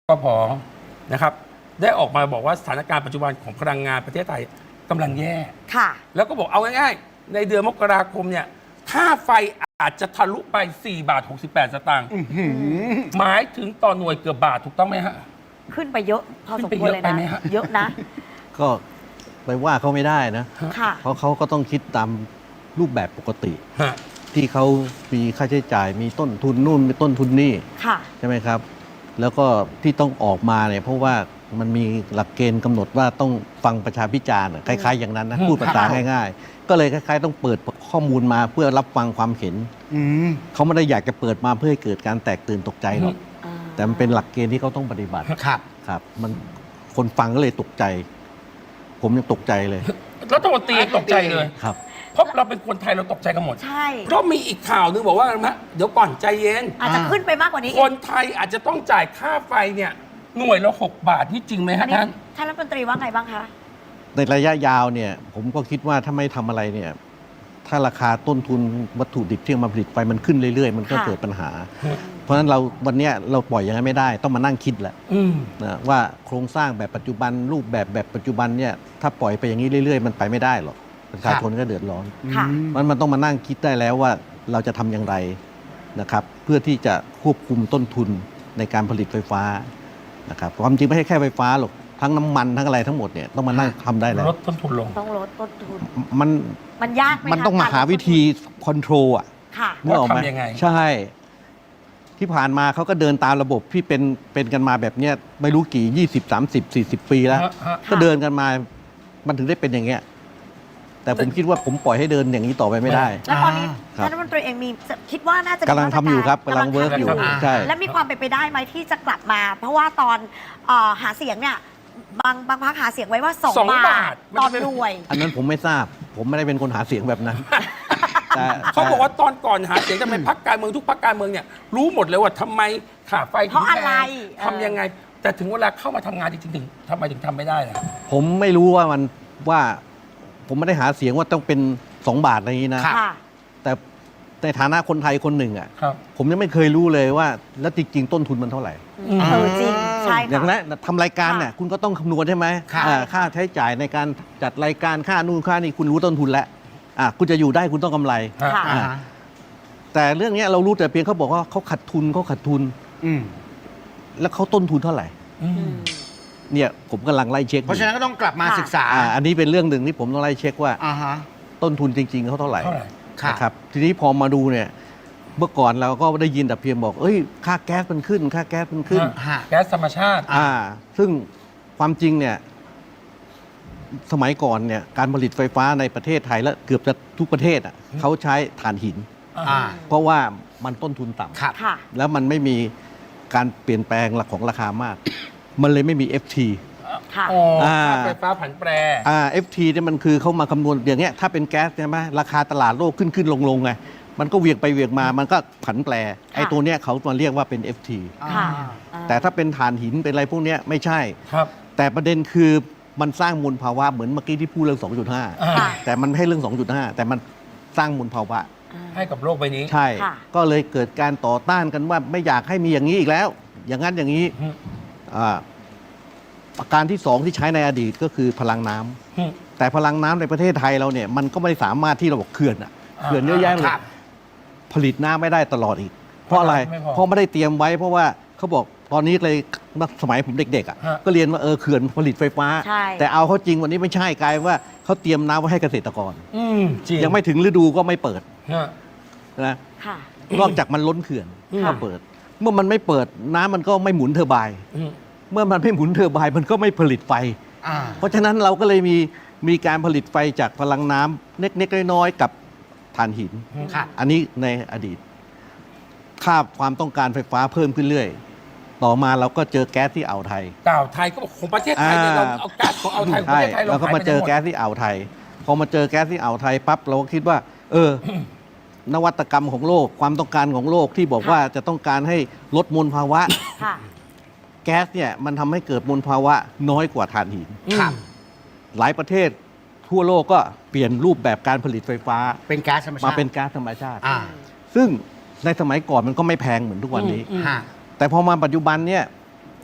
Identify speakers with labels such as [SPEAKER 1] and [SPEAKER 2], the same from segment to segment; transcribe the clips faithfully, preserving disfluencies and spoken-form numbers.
[SPEAKER 1] กพ.นะครับได้ออกมาบอกว่าสถานการณ์ปัจจุบันของพลังงานประเทศไทยกำลังแย่
[SPEAKER 2] ค่ะ
[SPEAKER 1] แล้วก็บอกเอาง่ายๆในเดือนมกราคมเนี่ยค่าไฟอาจจะทะลุไปสี่บาทหกสิบแปดสตางค์หมายถึงต่อหน่วยเกือบบาทถูกต้องไหมฮะ
[SPEAKER 2] ขึ้นไปเยอะพอสมควรเลยนะเยอะนะ
[SPEAKER 3] ก็ไปว่าเขาไม่ได้นะ
[SPEAKER 2] ค่ะ
[SPEAKER 3] เพราะเขาก็ต้องคิดตามรูปแบบปกติที่เขามีค่าใช้จ่ายมีต้นทุนนู่นมีต้นทุนนี่ใช่ไหมครับแล้วก็ที่ต้องออกมาเนี่ยเพราะว่ามันมีหลักเกณฑ์กำหนดว่าต้องฟังประชาพิจารณ์คล้ายๆอย่างนั้นนะพูดภาษาง่ายๆก็เลยคล้ายๆต้องเปิดข้อมูลมาเพื่อรับฟังความเห็นเขาไม่ได้อยากจะเปิดมาเพื่อให้เกิดการแตกตื่นตกใจหรอกแต่มันเป็นหลักเกณฑ์ที่เขาต้องปฏิบัติ
[SPEAKER 4] ครับ
[SPEAKER 3] ครับมันคนฟังก็เลยตกใจผมยังตกใจเลย
[SPEAKER 1] รัฐมนตรีตกใจเลย
[SPEAKER 3] ครับ
[SPEAKER 1] เพราะเราเป็นคนไทยเราตกใจกันหมด
[SPEAKER 2] ใช่
[SPEAKER 1] เพราะมีอีกข่าวนึงบอกว่านะเดี๋ยวก่อนใจเย็น
[SPEAKER 2] อาจจะขึ้นไปมากกว่านี้
[SPEAKER 1] คนไทยอาจจะต้องจ่ายค่าไฟเนี่ยหน่วยละหกบาทนี่จริงไหมฮะท่าน
[SPEAKER 2] ท่านรัฐมนตรีว่าไงบ้างคะ
[SPEAKER 3] ในระยะยาวเนี่ยผมก็คิดว่าถ้าไม่ทำอะไรเนี่ยถ้าราคาต้นทุนวัตถุดิบที่มาผลิตไฟมันขึ้นเรื่อยๆมันก็เกิดปัญหาเพราะฉะนั้นเราวันนี้เราปล่อยอย่างนั้นไม่ได้ต้องมานั่งคิดแหละนะว่าโครงสร้างแบบปัจจุบันรูปแบบแบบปัจจุบันเนี่ยถ้าปล่อยไปอย่างนี้เรื่อยๆมันไปไม่ได้หรอกประชาชนก็เดือดร้อนมันมันต้องมานั่งคิดได้แล้วว่าเราจะทำอย่างไรนะครับเพื่อที่จะควบคุมต้นทุนในการผลิตไฟฟ้านะครับความจริงไม่ใช่แค่ไฟฟ้าหรอกทั้งน้ำมันทั้งอะไรทั้งหมดเนี่ยต้องมานั่งทำได้แล้ว
[SPEAKER 1] ลดต้นทุนลง
[SPEAKER 2] ต้องลดต้นทุน
[SPEAKER 3] มัน
[SPEAKER 2] มันยากไหม
[SPEAKER 3] มันต้องมาหาวิธีคอนโทรลอ่ะ
[SPEAKER 1] ว่าทำยังไง
[SPEAKER 3] ใช่ที่ผ่านมาเขาก็เดินตามระบบที่เป็นเป็นกันมาแบบเนี้ยไม่รู้กี่ยี่สิบ สามสิบ สี่สิบปีแล้วก็เดินกันมามันถึงได้เป็นอย่างเงี้ยแต่ผมคิดว่าผมปล่อยให้เดินอย่างนี้ต่อไปไม่ได้
[SPEAKER 2] แล้วตอนนี้ท่านรัฐมนตรีเองมีคิดว่าน่าจะ
[SPEAKER 3] กำลังทำอยู่ครับกำลังเวิร์กอยู่ใช่
[SPEAKER 2] และมีความเป็นไปได้ไหมที่จะกลับมา เพราะว่าตอนหาเสียงเนี่ยบางบางพรรคหาเสียงไว้ว่าสองบาทตอนรวย
[SPEAKER 3] อันนั้นผมไม่ทราบผมไม่ได้เป็นคนหาเสียงแบบนั้น
[SPEAKER 1] เขาบอกว่าตอนก่อนหาเสียงทำไมพรรคการเมืองทุกพรรคการเมืองเนี่ยรู้หมดเลยว่าทำไมค่าไฟ
[SPEAKER 2] เพราะอะไร
[SPEAKER 1] ทำยังไงแต่ถึงเวลาเข้ามาทำงานจริงๆถึงทำไมถึงทำไม่ได้ล่ะ
[SPEAKER 3] ผมไม่รู้ว่ามันว่าผมไม่ได้หาเสียงว่าต้องเป็นสองบาทอะไรอย่างนี้นะแต่ในฐานะคนไทยคนหนึ่งอ่ะผมยังไม่เคยรู้เลยว่าแล้วจริงๆต้นทุนมันเท่าไหร่
[SPEAKER 2] เออจริงใช่
[SPEAKER 3] อย่างนั้นทำรายการเนี่ยคุณก็ต้องคำนวณใช่ไหมค่าใช้จ่ายในการจัดรายการค่านู่นค่านี่คุณรู้ต้นทุนแล้วอ่ะคุณจะอยู่ได้คุณต้องกำไรแต่เรื่องนี้เรารู้แต่เพียงเขาบอกว่าเขาขาดทุนเขาขาดทุนแล้วเขาต้นทุนเท่าไหร่เนี่ยผมกำลังไล่เช็ค
[SPEAKER 4] เพราะฉะนั้นก็ต้องกลับมาศึกษา
[SPEAKER 3] อันนี้เป็นเรื่องหนึ่งที่ผมต้องไล่เช็คว่าต้นทุนจริงๆเขาเท่าไหร่นะครับทีนี้พอมาดูเนี่ยเมื่อก่อนเราก็ได้ยินแต่เพียงบอกเอ้ยค่าแก๊สมันขึ้นค่าแก๊สมันขึ้น
[SPEAKER 1] แก๊สธรรมชาติ
[SPEAKER 3] อ่าซึ่งความจริงเนี่ยสมัยก่อนเนี่ยการผลิตไฟฟ้าในประเทศไทยและเกือบจะทุกประเทศอ่ะเขาใช้ถ่านหินเพราะว่ามันต้นทุนต่ำแล้วมันไม่มีการเปลี่ยนแปลงของราคามากมันเลยไม่มี เอฟ ที
[SPEAKER 1] ค่ะไฟฟ้าผันแปร
[SPEAKER 3] อ่า เอฟ ที เนี่ยมันคือเขามาคำนวณอย่างเงี้ยถ้าเป็นแก๊สใช่ไหมราคาตลาดโลกขึ้นขึ้นลงลงไงมันก็เวียงไปเวียงมามันก็ผันแปรไอ้ตัวเนี้ยเขามาเรียกว่าเป็น เอฟ ที แต่ถ้าเป็นถ่านหินเป็นอะไรพวกเนี้ยไม่ใช่
[SPEAKER 1] ครับ
[SPEAKER 3] แต่ประเด็นคือมันสร้างมลภาวะเหมือนเมื่อกี้ที่พูดเรื่อง สองจุดห้า แต่มันไม่ให้เรื่อง สองจุดห้า แต่มันสร้างมลภาวะ
[SPEAKER 1] ให้กับโลกใบนี้
[SPEAKER 3] ใช่ก็เลยเกิดการต่อต้านกันว่าไม่อยากให้มีอย่างนี้อีกแล้วอย่างนั้นอย่างนี้ประการที่สองที่ใช้ในอดีตก็คือพลังน้ำแต่พลังน้ำในประเทศไทยเราเนี่ยมันก็ไม่สามารถที่เราบอกเขื่อนอ่ะเขื่อนเยอะแยะเลยผลิตน้ำไม่ได้ตลอดอีกเพราะอะไรเพราะไม่ได้เตรียมไว้เพราะว่าเขาบอกตอนนี้เลยสมัยผมเด็กๆอ่ะก็เรียนว่าเออเขื่อนผลิตไฟฟ้าแต่เอาเขาจริงวันนี้ไม่ใช่กลายว่าเขาเตรียมน้ำไว้ให้เกษตรกรยังไม่ถึงฤดูก็ไม่เปิดนะนอกจากมันล้นเขื่อนก็เปิดเมื่อมันไม่เปิดน้ำมันก็ไม่หมุนเทอร์ไบน์เมื่อมันไม่หมุนเทอร์ไบน์มันก็ไม่ผลิตไฟเพราะฉะนั้นเราก็เลยมีมีการผลิตไฟจากพลังน้ำเล็กๆน้อยๆกับถ่านหินอันนี้ในอดีตค่าความต้องการไฟฟ้าเพิ่มขึ้นเรื่อยต่อมาเราก็เจอแก๊สที่อ่าวไทย
[SPEAKER 1] อ่าวไทยก็บอกของประเทศไทยเนี่ยเราเอาแก๊สของอ่าวไทยของประเทศไทย
[SPEAKER 3] เราก็มาเจอแก๊สที่อ่าวไทยพอมาเจอแก๊สที่อ่าวไทยปั๊บเราก็คิดว่าเออนวัตกรรมของโลกความต้องการของโลกที่บอกว่าจะต้องการให้ลดมลภาวะแก๊สเนี่ยมันทำให้เกิดมลภาวะน้อยกว่าถ่านหินหลายประเทศทั่วโลกก็เปลี่ยนรูปแบบการผลิตไฟฟ้า
[SPEAKER 4] เป็นแก๊สธรรมชาติ
[SPEAKER 3] มาเป็นแก๊สธรรมชาติซึ่งในสมัยก่อนมันก็ไม่แพงเหมือนทุกวันนี้แต่พอมาปัจจุบันเนี่ย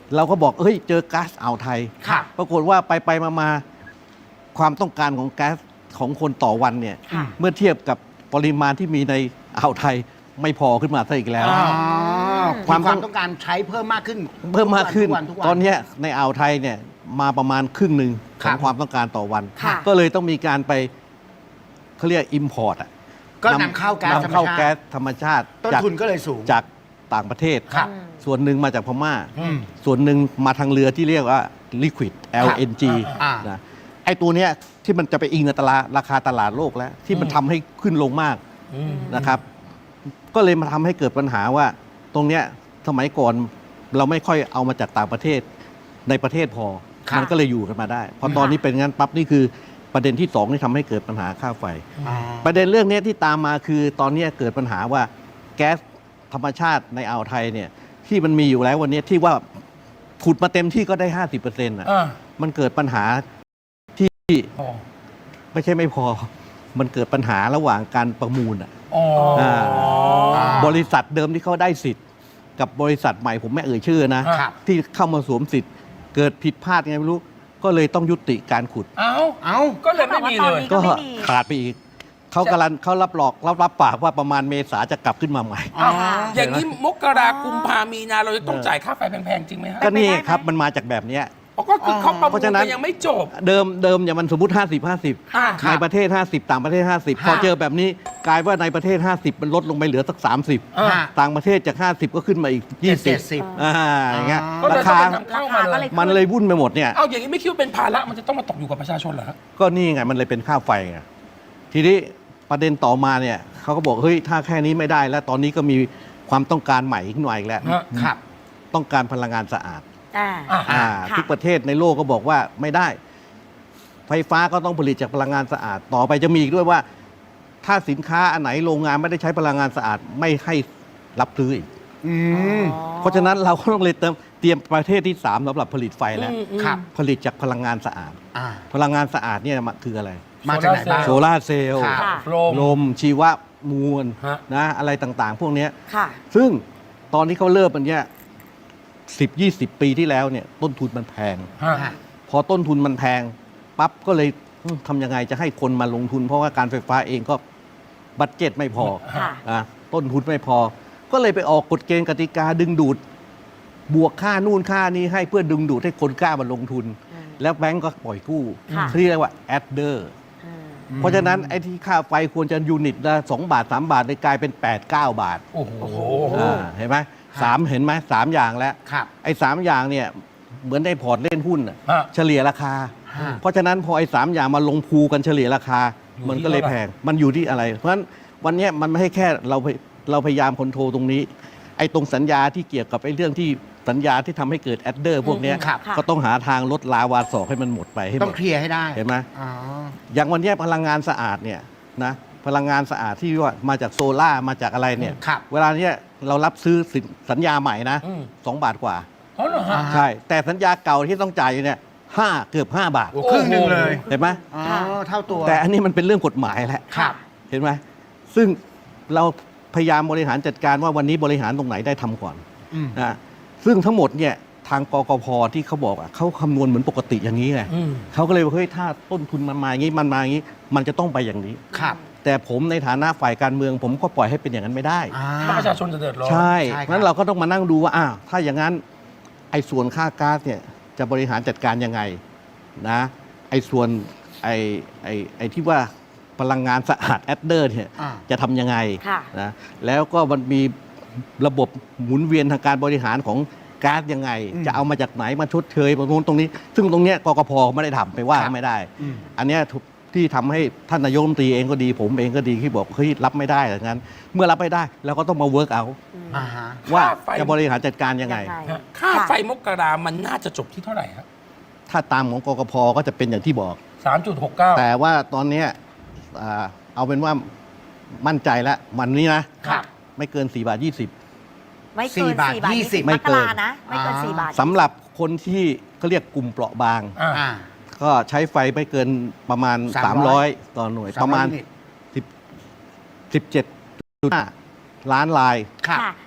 [SPEAKER 3] เราก็บอกเฮ้ยเจอก๊าซอ่าวไทย
[SPEAKER 4] ครับ
[SPEAKER 3] ปรากฏว่าไปไปมามาความต้องการของแก๊สของคนต่อวันเนี่ย
[SPEAKER 2] ค่ะ
[SPEAKER 3] เมื่อเทียบกับปริมาณที่มีในอ่าวไทยไม่พอขึ้นมาซะอีกแล้ว
[SPEAKER 4] อ๋อ
[SPEAKER 3] คาว
[SPEAKER 4] ความ ม
[SPEAKER 3] ต้อง
[SPEAKER 4] ต้องการใช้เพิ่มมากขึ้น
[SPEAKER 3] เพิ่มมากขึ้น
[SPEAKER 4] ทุวัทุกวั
[SPEAKER 3] ตอนเนี้ยในอ่าวไทยเนี่ยมาประมาณครึ่งหนึ่งข
[SPEAKER 4] ครั
[SPEAKER 3] อง
[SPEAKER 4] บ
[SPEAKER 3] ความต้องการต่อวัน
[SPEAKER 2] ค่ะ
[SPEAKER 3] ก็เลยต้องมีการไปเขาเรียกอิมพอร์ตอ่ะ
[SPEAKER 4] ก็นำเข้าแก๊สธรรม
[SPEAKER 3] นำเข้า
[SPEAKER 4] ชา
[SPEAKER 3] แก๊ส
[SPEAKER 4] ติ
[SPEAKER 3] ธรรมชาติ
[SPEAKER 4] ต้น
[SPEAKER 3] จาก
[SPEAKER 4] ทุนก็เลยสูง
[SPEAKER 3] จากต่างประเทศ
[SPEAKER 4] ครับ
[SPEAKER 3] ส่วนหนึ่งมาจากพม่า
[SPEAKER 4] อืม
[SPEAKER 3] ส่วนหนึ่งมาทางเรือที่เรียกว่า liquid แอล เอ็น จี
[SPEAKER 4] อ่า
[SPEAKER 3] นะไอ้ตัวเนี้ยที่มันจะไปอิงกับตลาดราคาตลาดโลกแล้ว ที่มันทำให้ขึ้นลงมาก
[SPEAKER 1] อืม
[SPEAKER 3] นะครับ ก็เลยมาทำให้เกิดปัญหาว่า ตรงเนี้ยสมัยก่อนเราไม่ค่อยเอามาจากต่างประเทศในประเทศพอ
[SPEAKER 4] ครับ
[SPEAKER 3] มันก็เลยอยู่กันมาได้พอตอนนี้เป็นงั้นปั๊บนี่คือประเด็นที่สองที่ทำให้เกิดปัญหาค่าไฟ
[SPEAKER 4] อ๋อ
[SPEAKER 3] ประเด็นเรื่องนี้ที่ตามมาคือตอนนี้เกิดปัญหาว่าแก๊สธรรมชาติในอ่าวไทยเนี่ยที่มันมีอยู่แล้ววันนี้ที่ว่าขุดมาเต็มที่ก็ได้ ห้าสิบเปอร์เซ็นต์ อ่ะ
[SPEAKER 1] อ่า
[SPEAKER 3] มันเกิดปัญหาที่
[SPEAKER 1] อ๋อ
[SPEAKER 3] ไม่ใช่ไม่พอ มันเกิดปัญหาระหว่างการประมูลอ่ะ
[SPEAKER 1] อ๋ออ่า
[SPEAKER 4] อ่า
[SPEAKER 3] บริษัทเดิมที่เขาได้สิทธิ์ กับบริษัทใหม่ผมไม่เอ่ยชื่อนะ
[SPEAKER 4] ครับ
[SPEAKER 3] ที่เข้ามาสวมสิทธิ์ เกิดผิดพลาดไงไม่รู้ ก็เลยต้องยุติการขุด
[SPEAKER 1] เอ้า
[SPEAKER 4] เอ้า
[SPEAKER 1] ก็เลยไม่มีเลย
[SPEAKER 2] ก็
[SPEAKER 3] ก็
[SPEAKER 2] ไม่มี
[SPEAKER 3] ขาดไปอีกเขากำลังเขารับหลอกรับรับปากว่าประมาณเมษาจะกลับขึ้นมาใหม่
[SPEAKER 4] อ๋อ
[SPEAKER 1] อย่างนี้มกรากุมภามีนาเราจะต้องจ่ายค่าไฟแพงๆ จริงไหมฮะ
[SPEAKER 3] ก็นี่
[SPEAKER 2] เป็นไปได้ไหม
[SPEAKER 3] ครับมันมาจากแบบเนี้ย
[SPEAKER 1] อ๋อก็คือเขาประ
[SPEAKER 3] เพ
[SPEAKER 1] มูล
[SPEAKER 3] ราะฉะนั้น
[SPEAKER 1] กันยังไม่จบ
[SPEAKER 3] เดิมเดิมเนี่ยมันสมมติ 50 50
[SPEAKER 1] อ่า
[SPEAKER 4] ครับ
[SPEAKER 3] ในประเทศ 50 ต่างประเทศ 50 พอ
[SPEAKER 4] ฮะ
[SPEAKER 3] เจอแบบนี้กลายว่าในประเทศ ห้าสิบ มันลดลงไปเหลือสัก
[SPEAKER 1] อ่า
[SPEAKER 3] 30 ต่างประเทศจาก ห้าสิบ ก็ขึ้นมาอีก
[SPEAKER 4] เจ็ด
[SPEAKER 3] ยี่
[SPEAKER 4] สิ
[SPEAKER 3] สิ
[SPEAKER 4] บ
[SPEAKER 3] อ่าอย่างเงี้ย
[SPEAKER 1] ก็เลย
[SPEAKER 3] รา
[SPEAKER 1] ต้อง
[SPEAKER 3] คา
[SPEAKER 1] ไปนำเข้ามา
[SPEAKER 2] ราคาก็
[SPEAKER 1] เล
[SPEAKER 2] เลย ย
[SPEAKER 3] มันเลยวุ่นไปหมดเนี่ย
[SPEAKER 1] เอาอย่างนี้ไม่คิดว่าเป็นภาระมันจะต้องมาตกอยู่กับประชาชนเหรอฮะ
[SPEAKER 3] ก็นี่ไงมันเลยเป็นค่าไฟไงทีนี้ประเด็นต่อมาเนี่ยเขาก็บอกเฮ้ยถ้าแค่นี้ไม่ได้แล้วตอนนี้ก็มีความต้องการใหม่ขึ้นมาอีกแล้ว
[SPEAKER 1] ฮะ
[SPEAKER 4] ครับ
[SPEAKER 3] ต้องการพลังงานสะอาด
[SPEAKER 2] อ่า
[SPEAKER 1] อ่า
[SPEAKER 3] อ่า
[SPEAKER 2] ค่ะ
[SPEAKER 3] ทุกประเทศในโลกก็บอกว่าไม่ได้ ไฟฟ้าก็ต้องผลิตจากพลังงานสะอาด ต่อไปจะมีอีกด้วยว่า ถ้าสินค้าอันไหนโรงงานไม่ได้ใช้พลังงานสะอาดไม่ให้รับซื้ออีก
[SPEAKER 4] อืม
[SPEAKER 3] เพราะฉะนั้นเราก็ต้องเลยเตรียมเตรียมประเทศที่สามสำหรับผลิตไฟแล้ว
[SPEAKER 1] อืมอืม
[SPEAKER 4] ครับ
[SPEAKER 3] ผลิตจากพลังงานสะอาด
[SPEAKER 4] อ่า
[SPEAKER 3] พลังงานสะอาดเนี่ยมันคืออะไร
[SPEAKER 4] มาจากไหนบ้าง
[SPEAKER 3] โซลาร์เซลล์
[SPEAKER 4] ครับ
[SPEAKER 2] ค่ะ
[SPEAKER 1] โลม
[SPEAKER 3] ลมชีวมวล
[SPEAKER 1] ฮะ
[SPEAKER 3] นะอะไรต่างๆ พวกเนี้ย
[SPEAKER 2] ค่ะ
[SPEAKER 3] ซึ่งตอนที่เขาเริ่มมันเนี้ยสิบยี่สิบปีที่แล้วเนี่ยต้นทุนมันแพง
[SPEAKER 1] ฮะ
[SPEAKER 4] อ่า
[SPEAKER 3] พอต้นทุนมันแพงปั๊บก็เลยอืมทำยังไงจะให้คนมาลงทุน เพราะว่าการไฟฟ้าเองก็บัตเจ็ตไม่พอ
[SPEAKER 2] ค่ะ
[SPEAKER 3] อ่ะต้นทุนไม่พอ ก็เลยไปออกกฎเกณฑ์กติกาดึงดูด บวกค่านู่นค่านี้ให้เพื่อดึงดูดให้คนกล้ามาลงทุน
[SPEAKER 2] อืม
[SPEAKER 3] แล้วแบงก์ก็ปล่อยกู้
[SPEAKER 2] ค่ะ
[SPEAKER 3] ที่เรียกว่าแอดเดอร์
[SPEAKER 2] อืม
[SPEAKER 3] เพราะฉะนั้นไอ้ที่ค่าไฟควรจะยูนิตละสองบาทสามบาทเลยกลายเป็นแปดเก้าบาท
[SPEAKER 1] โอ้โห
[SPEAKER 3] อ่าเห็นไหมสามเห็นไหมสามอย่างแล้ว
[SPEAKER 4] ครับ
[SPEAKER 3] ไอ้สามอย่างเนี่ยเหมือนได้พอร์ตเล่นหุ้นน่ะ
[SPEAKER 1] ฮะ
[SPEAKER 3] เฉลี่ยราคา
[SPEAKER 4] ฮะ
[SPEAKER 3] เพราะฉะนั้นพอไอ้สามอย่างมาลงพูกันเฉลี่ยราคา
[SPEAKER 1] อยู่
[SPEAKER 3] มัน
[SPEAKER 1] ที่
[SPEAKER 3] ก็เลย
[SPEAKER 1] เท่าไหร่
[SPEAKER 3] แพง มันอยู่ที่อะไร เพราะฉะนั้นวันเนี้ยมันไม่ให้แค่เราพยเราพยายามคอนโทรลตรงนี้ ไอ้ตรงสัญญาที่เกี่ยวกับไอ้เรื่องที่สัญญาที่ทำให้เกิดแอดเดอร์พวกเนี้ย
[SPEAKER 4] ครับ
[SPEAKER 3] ก็ต้องหาทางลดลาวาศอกให้มันหมดไปให้ห
[SPEAKER 4] ต้อ
[SPEAKER 3] ม
[SPEAKER 4] ง
[SPEAKER 3] ด
[SPEAKER 4] เคลียร์ให้ได้
[SPEAKER 3] เห็นไหม
[SPEAKER 4] อ๋อ
[SPEAKER 3] อย่างวันเนี้ยพลังงานสะอาดเนี่ยนะพลังงานสะอาดที่ว่ามาจากโซล่าร์มาจากอะไรเนี่ย
[SPEAKER 4] ครับ
[SPEAKER 3] เวลาเนี้ยเรารับซื้อสินสัญญาใหม่นะ
[SPEAKER 1] อืม
[SPEAKER 3] สองบาทกว่า
[SPEAKER 1] อ๋อเหรอฮะ
[SPEAKER 4] อ่า
[SPEAKER 3] ใช่ แต่สัญญาเก่าที่ต้องจ่ายอยู่เนี่ยห้าเกือบห้าบาท
[SPEAKER 4] โอ้ครึ่งหนึ่งเลย
[SPEAKER 3] เห็นไหม
[SPEAKER 4] อ๋อ เท่าตัว
[SPEAKER 3] แต่อันนี้มันเป็นเรื่องกฎหมายแล้ว
[SPEAKER 4] ครับ
[SPEAKER 3] เห็นไหมซึ่งเราพยายามบริหารจัดการว่าวันนี้บริหารตรงไหนได้ทำก่อน
[SPEAKER 4] อืม
[SPEAKER 3] นะซึ่งทั้งหมดเนี่ยทางกกพที่เขาบอกอะเขาคำนวณเหมือนปกติอย่างนี้ไง
[SPEAKER 1] อืม
[SPEAKER 3] เขาก็เลยบอกเฮ้ยถ้าต้นทุนมันมาอย่างนี้มันมาอย่างนี้ มันจะต้องไปอย่างนี้
[SPEAKER 4] ครับ
[SPEAKER 3] แต่ผมในฐานะฝ่ายการเมือง ผมก็ปล่อยให้เป็นอย่างนั้นไม่ได้
[SPEAKER 4] อ่า
[SPEAKER 1] ถ้าประชาชนจะเดือดร้อน
[SPEAKER 3] ใช่
[SPEAKER 4] ใช่ครับ
[SPEAKER 3] เพราะฉะนั้นเราก็ต้องมานั่งดูว่าอ้าวถ้าอย่างนั้นไอ้ส่วนค่าก๊าซเนี่ยจะบริหารจัดการยังไงนะไอ้ส่วนไอ้ไอ้ไอ้ที่ว่าพลังงานสะอาดแอดเดอร์เนี่ย
[SPEAKER 4] อ่า
[SPEAKER 3] จะทำยังไง
[SPEAKER 2] ค่ะ
[SPEAKER 3] นะแล้วก็มันมีระบบหมุนเวียนทางการบริหารของก๊าซยังไง
[SPEAKER 4] อืม
[SPEAKER 3] จะเอามาจากไหนมาชดเชยตรงนู้นตรงนี้ ซึ่งตรงเนี้ยกกพไม่ได้ทำไปว่า
[SPEAKER 4] ครับ
[SPEAKER 3] ไม่ได้
[SPEAKER 4] อืม
[SPEAKER 3] อันเนี้ยทุกที่ทำให้ท่านนายกรัฐมนตรีเองก็ดี ผมเองก็ดีที่บอกเฮ้ยรับไม่ได้อย่างนั้น เมื่อรับไม่ได้เราก็ต้องมาเวิร์กเอา
[SPEAKER 4] อ่าฮะ
[SPEAKER 3] ว่า
[SPEAKER 1] ค่าไฟ
[SPEAKER 3] จะบริหารจัดการยังไง
[SPEAKER 1] ฮะค่าไฟมกรามันน่าจะจบที่เท่าไหร่ฮะ
[SPEAKER 3] ถ้าตามของกกพก็จะเป็นอย่างที่บอก
[SPEAKER 1] สามจุดหกเก้า
[SPEAKER 3] แต่ว่าตอนเนี้ยอ่าเอาเป็นว่ามั่นใจแล้ววันนี้นะครับ ไม่เกิน4บาทยี่สิบ
[SPEAKER 2] ไม่เกิน
[SPEAKER 4] สี่บาท
[SPEAKER 2] สี่บาท
[SPEAKER 4] ยี่
[SPEAKER 2] ยี่
[SPEAKER 4] สิ
[SPEAKER 2] สิ
[SPEAKER 4] บ
[SPEAKER 2] บ
[SPEAKER 3] ไม่
[SPEAKER 2] ม
[SPEAKER 3] เกิ
[SPEAKER 2] ก
[SPEAKER 3] น
[SPEAKER 2] รานะ ไม่เกิน
[SPEAKER 4] อ่า
[SPEAKER 2] สี่บาท
[SPEAKER 3] สำหรับคนที่เขาเรียกกลุ่มเปราะบาง
[SPEAKER 1] อ่า
[SPEAKER 4] อ่า
[SPEAKER 3] ก็ใช้ไฟไม่เกินประมาณ
[SPEAKER 4] สา
[SPEAKER 3] สาม ม
[SPEAKER 4] ร้
[SPEAKER 3] ร้
[SPEAKER 4] อ
[SPEAKER 3] อย ยต่อหน่วย
[SPEAKER 4] สามร้อย
[SPEAKER 3] ประมาณ
[SPEAKER 4] ยูนิต
[SPEAKER 3] สิบสิบเจ็ดจุดห้าล้านลาย
[SPEAKER 4] ครับ
[SPEAKER 2] ค่ะ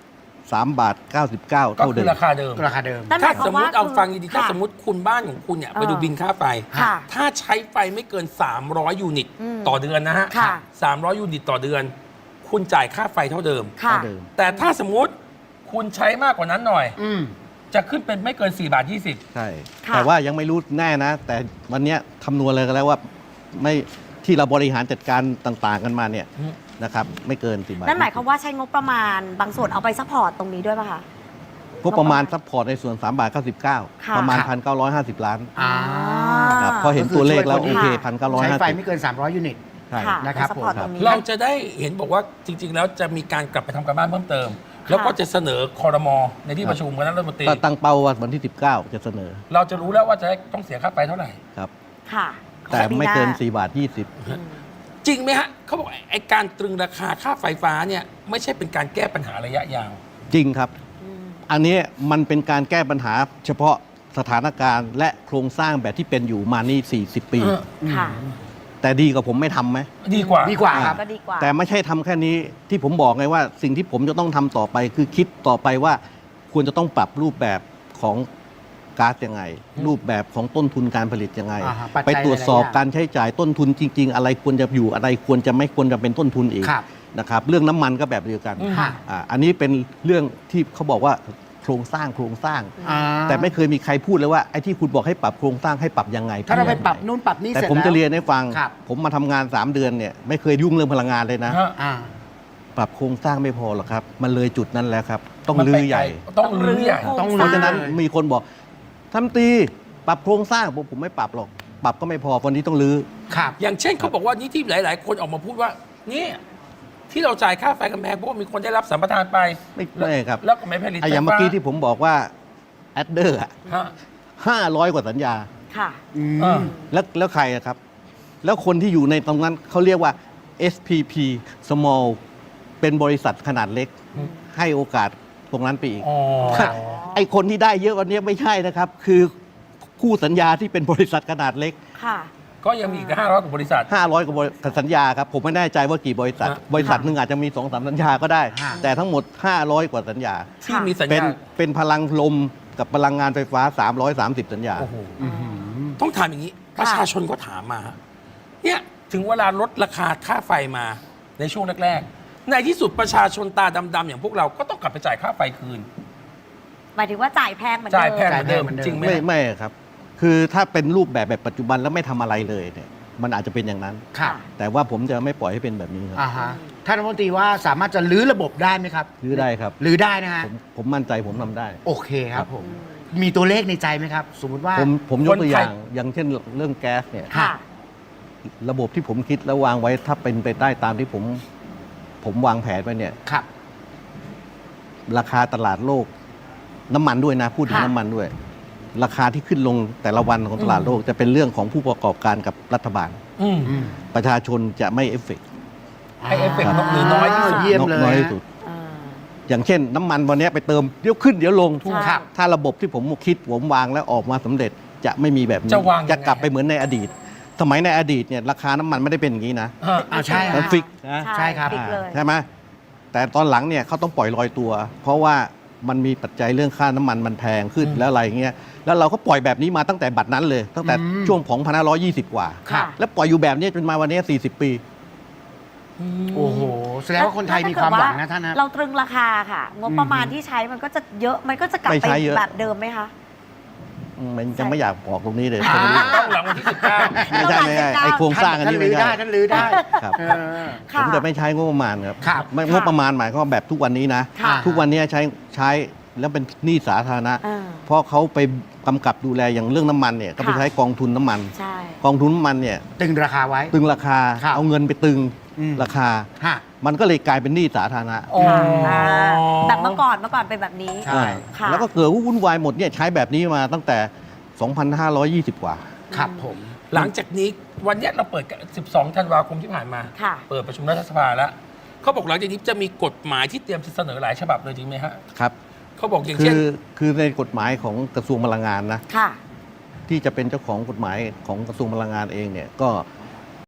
[SPEAKER 3] สามบาทเก้าสิบเก้า
[SPEAKER 1] ก็
[SPEAKER 3] เท่า
[SPEAKER 1] คื
[SPEAKER 3] เดิ
[SPEAKER 1] อ
[SPEAKER 3] ม
[SPEAKER 1] ราคาเดิม
[SPEAKER 4] ราคาเดิม
[SPEAKER 2] นั่นห
[SPEAKER 1] ถ้าม
[SPEAKER 2] ยคว
[SPEAKER 1] สมมติเอา
[SPEAKER 2] คือ
[SPEAKER 1] ฟังดีๆถ้า
[SPEAKER 2] ค่ะ
[SPEAKER 1] สมมติคุณบ้านของคุณเนี่ย
[SPEAKER 2] เออ
[SPEAKER 1] ไปดูบินค่าไฟ
[SPEAKER 2] ค่ะ
[SPEAKER 1] ถ้าใช้ไฟไม่เกิน สามร้อย ยูนิต
[SPEAKER 2] อืม
[SPEAKER 1] ต่อเดือนนะฮะ
[SPEAKER 2] ค่ะ
[SPEAKER 1] สามร้อย ยูนิตต่อเดือน คุณจ่ายค่าไฟเท่าเดิม
[SPEAKER 2] ค่ะ
[SPEAKER 3] เท่าเดิม
[SPEAKER 1] แต่ถ้าสมมติคุณใช้มากกว่านั้นหน่อย
[SPEAKER 4] อืม
[SPEAKER 1] จะขึ้นเป็นไม่เกิน4บาท20
[SPEAKER 3] ใช่
[SPEAKER 2] ค่ะ
[SPEAKER 3] แต่ว่ายังไม่รู้แน่นะ แต่วันเนี้ยคำนวณเลยกันแล้วว่าไม่ที่เราบริหารจัดการต่างๆกันมาเนี่ย
[SPEAKER 1] อืม
[SPEAKER 3] นะครับไม่เกินสี่บาท
[SPEAKER 2] นั่นหมายความว่าใช้งบประมาณบางส่วนเอาไปซัพพอร์ตตรงนี้ด้วยป่ะคะ
[SPEAKER 3] ก็ประมาณซัพพอร์ตในส่วนสามบาทเก้าสิบเก้า
[SPEAKER 2] ค่ะ
[SPEAKER 3] ประมาณ
[SPEAKER 4] ค่ะ
[SPEAKER 3] พันเก้าร้อยห้าสิบล้าน
[SPEAKER 4] อ่า
[SPEAKER 3] ครับพอเห็นตัวเลขแล้ว
[SPEAKER 4] ก็
[SPEAKER 3] โอ
[SPEAKER 4] คือ
[SPEAKER 3] เค
[SPEAKER 4] ช่วย
[SPEAKER 3] พันเก้าร้อย
[SPEAKER 4] ใช้
[SPEAKER 3] ห้า
[SPEAKER 4] ไฟ
[SPEAKER 3] สิบ
[SPEAKER 4] ไม่เกิน สามร้อย ยูนิต
[SPEAKER 3] ใช่
[SPEAKER 2] ค่ะ
[SPEAKER 4] นะครับ
[SPEAKER 2] ไปซัพพอร์ต
[SPEAKER 4] ผม
[SPEAKER 2] ตรงนี้
[SPEAKER 1] เราจะได้เห็นบอกว่าจริง ๆ แล้วจะมีการกลับไปทำการบ้านเพิ่มเติม แล้วก็จะเสนอคอรมอในที่ประชุมคณะรัฐมนตรี
[SPEAKER 3] ก็ตั้งเป้าว่าวันที่สิบเก้าจะเสนอ
[SPEAKER 1] เราจะรู้แล้วว่าจะต้องเสียค่าไฟเท่าไหร่
[SPEAKER 3] ครับ
[SPEAKER 2] ค่ะ
[SPEAKER 3] แต่ไม่เกิน
[SPEAKER 2] ของปีห
[SPEAKER 3] สี่บาทยี่สิบ
[SPEAKER 2] อืม
[SPEAKER 1] จริงไหมฮะเขาบอกไอ้การตรึงราคาค่าไฟฟ้าเนี่ยไม่ใช่เป็นการแก้ปัญหาระยะยาว
[SPEAKER 3] จริงครับ
[SPEAKER 2] อืม
[SPEAKER 3] อันนี้มันเป็นการแก้ปัญหาเฉพาะสถานการณ์และโครงสร้างแบบที่เป็นอยู่มานี่ สี่สิบ ปี
[SPEAKER 1] เออ
[SPEAKER 2] ค่ะ
[SPEAKER 3] แต่ดีกว่าผมไม่ทำไหม
[SPEAKER 1] ดีกว่า
[SPEAKER 4] ดีกว่าครับ
[SPEAKER 2] ก็ดีกว่า
[SPEAKER 3] แต่ไม่ใช่ทำแค่นี้ที่ผมบอกไงว่าสิ่งที่ผมจะต้องทำต่อไปคือคิดต่อไปว่าควรจะต้องปรับรูปแบบของก๊าซยังไง รูปแบบของต้นทุนการผลิตยังไง
[SPEAKER 4] อ่าฮะปัจจัย
[SPEAKER 3] ไปตรวจสอบ
[SPEAKER 4] หลายๆอย่าง
[SPEAKER 3] การใช้จ่ายต้นทุนจริง ๆ อะไรควรจะอยู่อะไรควรจะไม่ควรจะเป็นต้นทุนอีก
[SPEAKER 4] ครับ
[SPEAKER 3] นะครับเรื่องน้ำมันก็แบบเดียวกัน
[SPEAKER 1] อืม
[SPEAKER 4] ค่ะ
[SPEAKER 3] อ่าอันนี้เป็นเรื่องที่เขาบอกว่าโครงสร้างโครงสร้าง
[SPEAKER 4] อ่า
[SPEAKER 3] แต่ไม่เคยมีใครพูดเลยว่าไอ้ที่คุณบอกให้ปรับโครงสร้างให้ปรับยังไง
[SPEAKER 4] ถ้าเราไป
[SPEAKER 3] ยังง
[SPEAKER 4] ปรับนู่นปรับนี่
[SPEAKER 3] แต่
[SPEAKER 4] เสร็จ
[SPEAKER 3] ผม
[SPEAKER 4] แล้ว
[SPEAKER 3] จะเรียนให้ฟัง
[SPEAKER 4] ครับ
[SPEAKER 3] ผมมาทำงานสามเดือนเนี่ยไม่เคยยุ่งเรื่องพลังงานเลยนะ
[SPEAKER 1] ฮะ
[SPEAKER 4] อ่า
[SPEAKER 3] ปรับโครงสร้างไม่พอหรอกครับ มันเลยจุดนั้นแล้วครับ ต้อง
[SPEAKER 1] มัน
[SPEAKER 3] ลื้
[SPEAKER 1] ไป
[SPEAKER 3] อใหญ่
[SPEAKER 1] ไกลต้องรื้อใหญ่
[SPEAKER 4] ต้อง
[SPEAKER 3] เพราะฉะนั้น
[SPEAKER 4] เลย
[SPEAKER 3] มีคนบอกทำตีปรับโครงสร้างผมผมไม่ปรับหรอก ปรับก็ไม่พอวันนี้ต้องลื้อ
[SPEAKER 4] ครับ
[SPEAKER 1] อย่างเช่นเขาบอกว่านี่ที่หลาย ๆ คนออกมาพูดว่านี่ที่เราจ่ายค่าไฟกันแพงเพราะว่ามีคนได้รับสัมปทานไป
[SPEAKER 3] ไม่ไม่ครับ
[SPEAKER 1] แล้วก็ไม่ผลิต
[SPEAKER 3] ไอ้อย่างเมื่อกี้ที่ผมบอกว่าแอดเดอร์
[SPEAKER 1] ฮะ
[SPEAKER 3] ห้าร้อยกว่าสัญญา
[SPEAKER 2] ค่ะ
[SPEAKER 4] อื
[SPEAKER 1] เออ
[SPEAKER 4] ม
[SPEAKER 3] แล้วแล้วใครอะครับ แล้วคนที่อยู่ในตรงนั้นเขาเรียกว่า เอส พี พี Small เป็นบริษัทขนาดเล็ก
[SPEAKER 1] อืม
[SPEAKER 3] ให้โอกาสตรงนั้นไปอีก
[SPEAKER 1] อ๋อ
[SPEAKER 4] ครับ
[SPEAKER 3] ไอ้คนที่ได้เยอะวันนี้ไม่ใช่นะครับ คือคู่สัญญาที่เป็นบริษัทขนาดเล็ก
[SPEAKER 2] ค่ะ
[SPEAKER 1] ก็ยังมีอีกห้าร้อยกว่าบริษัท
[SPEAKER 3] ห้าร้อยกว่าบริษัทสัญญาครับ ผมไม่แน่ใจว่ากี่บริษัท
[SPEAKER 1] ฮะ
[SPEAKER 3] บริษัทหนึ่งอาจจะมีสองสามสัญญาก็ได้
[SPEAKER 4] ฮะ
[SPEAKER 3] แต่ทั้งหมด ห้าร้อยกว่าสัญญา
[SPEAKER 1] ที่มีสัญ
[SPEAKER 3] เป็น
[SPEAKER 1] ญา
[SPEAKER 3] เป็นพลังลมกับพลังงานไฟฟ้า สามร้อยสามสิบ สัญญา
[SPEAKER 1] โอ้โห
[SPEAKER 4] อื้อหือ
[SPEAKER 1] ต้องถามอย่างนี้ ประชาชนก็ถามมาฮะเนี่ยถึงเวลาลดราคาค่าไฟมาในช่วงแรกๆในที่สุดประชาชนตาดำๆอย่างพวกเราก็ต้องกลับไปจ่ายค่าไฟคืน
[SPEAKER 2] หมายถึงว่าจ่ายแพงเหมือนเดิม
[SPEAKER 1] จ่ายแพงเหมือนเดิม
[SPEAKER 4] จ่ายแพงเหมือนเดิม
[SPEAKER 1] จริงไหม
[SPEAKER 3] ไม่
[SPEAKER 1] ฮะ
[SPEAKER 3] ไม่ครับ คือถ้าเป็นรูปแบบแบบปัจจุบันแล้วไม่ทำอะไรเลยเนี่ยมันอาจจะเป็นอย่างนั้น
[SPEAKER 4] ครับ
[SPEAKER 3] แต่ว่าผมจะไม่ปล่อยให้เป็นแบบนี้ครับ
[SPEAKER 4] อ่าฮะท่านรัฐมนตรีว่าสามารถจะลื้อระบบได้ไหมครับ
[SPEAKER 3] รื้อได้ครับ
[SPEAKER 4] ลื้อได้นะฮะ
[SPEAKER 3] ผมผมมั่นใจผมทำได้
[SPEAKER 4] โอเคครับผม มีตัวเลขในใจไหมครับ สมมติว่า
[SPEAKER 3] ผมผมยกตัว
[SPEAKER 1] คนไทย
[SPEAKER 3] อย่างอย่างเช่นเรื่องแก๊สเนี่ย
[SPEAKER 2] ค่ะ
[SPEAKER 3] ระบบที่ผมคิดแล้ววางไว้ถ้าเป็นไปได้ตามที่ผมผมวางแผนไว้เนี่ย
[SPEAKER 4] ครับ
[SPEAKER 3] ราคาตลาดโลก น้ำมันด้วยนะ พูดถึง
[SPEAKER 2] ค่ะ
[SPEAKER 3] น้ำมันด้วย ราคาที่ขึ้นลงแต่ละวันของตลาดโลก จะเป็นเรื่องของผู้ประกอบการกับรัฐบาล
[SPEAKER 1] อืม
[SPEAKER 4] อืม
[SPEAKER 3] ประชาชนจะไม่เอฟเฟกต์
[SPEAKER 1] ให้เอฟเฟกต์น้อยหรือน้อยที่สุด
[SPEAKER 4] เยี่ยมเลย
[SPEAKER 3] น้อยที่สุด
[SPEAKER 2] อ่า
[SPEAKER 3] อย่างเช่น น้ำมันวันนี้ไปเติมเดี๋ยวขึ้นเดี๋ยวลง
[SPEAKER 2] ถูก
[SPEAKER 4] ครับ
[SPEAKER 3] ถ้าระบบที่ผมคิดผมวางแล้วออกมาสำเร็จ จะไม่มีแบบนี้
[SPEAKER 1] จะวางยังไง
[SPEAKER 3] จะกลับไปเหมือนในอดีต สมัยในอดีตเนี่ยราคาน้ำมันไม่ได้เป็นอย่างนี้นะ
[SPEAKER 1] ฮะ
[SPEAKER 4] อ่าใช่
[SPEAKER 3] มัน
[SPEAKER 4] ฮะ
[SPEAKER 3] ฟิกนะ
[SPEAKER 4] ใช่ครับ
[SPEAKER 2] ฟิกเลย
[SPEAKER 3] ใช่ไหมแต่ตอนหลังเนี่ยเขาต้องปล่อยลอยตัว เพราะว่ามันมีปัจจัยเรื่องค่าน้ำมันมันแพงขึ้น
[SPEAKER 1] อืม
[SPEAKER 3] แล้วอะไรเงี้ยแล้วเราก็ปล่อยแบบนี้มาตั้งแต่บัดนั้นเลย ตั้งแต่
[SPEAKER 4] อืม
[SPEAKER 3] ช่วงของพันห้าร้อยยี่สิบกว่า
[SPEAKER 4] ครับ
[SPEAKER 3] แล้วปล่อยอยู่แบบนี้จนมาวันนี้สี่สิบปี
[SPEAKER 4] โอ้โห แสดงว่าคนไทยมีความหวังนะท่านนะ
[SPEAKER 2] เราตรึงราคาค่ะ งบประมาณที่ใช้มันก็จะเยอะ มันก็จะกลับ
[SPEAKER 3] ไม่
[SPEAKER 2] ไป
[SPEAKER 3] ใช้เยอะ
[SPEAKER 2] แบบเดิมไหมคะ
[SPEAKER 3] อืมมันยังไม่อยากบอกตรงนี้เลย
[SPEAKER 4] อ่า
[SPEAKER 1] ต้องหลังวันที่สิบเก้า
[SPEAKER 3] ไม่ใช่ไม่ใช่ไอโครงสร้างอัน
[SPEAKER 4] ท่าน
[SPEAKER 3] นี้
[SPEAKER 4] ลื้
[SPEAKER 3] ไม่
[SPEAKER 4] อได้
[SPEAKER 3] ใช่
[SPEAKER 4] ท่านลื้อได้
[SPEAKER 3] ครับ
[SPEAKER 4] เออ
[SPEAKER 3] ผ
[SPEAKER 2] ค่ะ
[SPEAKER 3] มจะไม่ใช้งบประมาณครับ
[SPEAKER 4] ครับ
[SPEAKER 3] ไม่
[SPEAKER 2] ค่ะ
[SPEAKER 3] งบประมาณหมายความว่าแบบทุกวันนี้นะ
[SPEAKER 2] ค่ะ
[SPEAKER 3] ทุกวันนี้ใช้ใช้แล้วเป็นหนี้สาธารณะ
[SPEAKER 2] อ่า
[SPEAKER 3] เพราะเขาไปกำกับดูแลอย่างเรื่องน้ำมันเนี่ยก็ไป
[SPEAKER 2] ค่ะ
[SPEAKER 3] ใช้กองทุนน้ำมัน
[SPEAKER 2] ใช่
[SPEAKER 3] กองทุนน้ำมันเนี่ย
[SPEAKER 4] ตึงราคาไว้
[SPEAKER 3] ตึงราคา
[SPEAKER 4] ครับ
[SPEAKER 3] เอาเงินไปตึง
[SPEAKER 4] อืม
[SPEAKER 3] ราคา
[SPEAKER 4] ฮะ
[SPEAKER 3] มันก็เลยกลายเป็นหนี้สาธารณะ
[SPEAKER 1] อ๋อ
[SPEAKER 2] ค่ะอ่าแบบเมื่อก่อนเมื่อก่อนเป็นแบบนี้
[SPEAKER 4] ใช่
[SPEAKER 2] ค่ะ
[SPEAKER 3] แล้วก็เกิดวุ่นวายหมดเนี่ยใช้แบบนี้มาตั้งแต่ สองพันห้าร้อยยี่สิบ กว่า
[SPEAKER 4] ครับผม
[SPEAKER 1] หลังจากนี้วันเนี้ยเราเปิดกันสิบสองธันวาคมที่ผ่านมา
[SPEAKER 2] ค่ะ
[SPEAKER 1] เปิดประชุมรัฐสภาแล้วเขาบอกหลังจากนี้จะมีกฎหมายที่เตรียมจะเสนอหลายฉบับเลยจริงไหมฮะ
[SPEAKER 3] ครับ
[SPEAKER 1] เขาบอกอย่าง
[SPEAKER 3] คื
[SPEAKER 1] เช่น
[SPEAKER 3] อคือในกฎหมายของกระทรวงพลังงานนะ
[SPEAKER 2] ค่ะ
[SPEAKER 3] ที่จะเป็นเจ้าของกฎหมายของกระทรวงพลังงานเองเนี่ยก็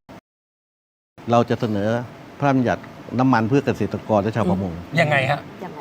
[SPEAKER 3] เราจะเสนอพระราชบัญญัติน้ำมันเพื่อเกษตรกรและชาวประมง
[SPEAKER 1] ยังไงฮะ
[SPEAKER 2] ยังไง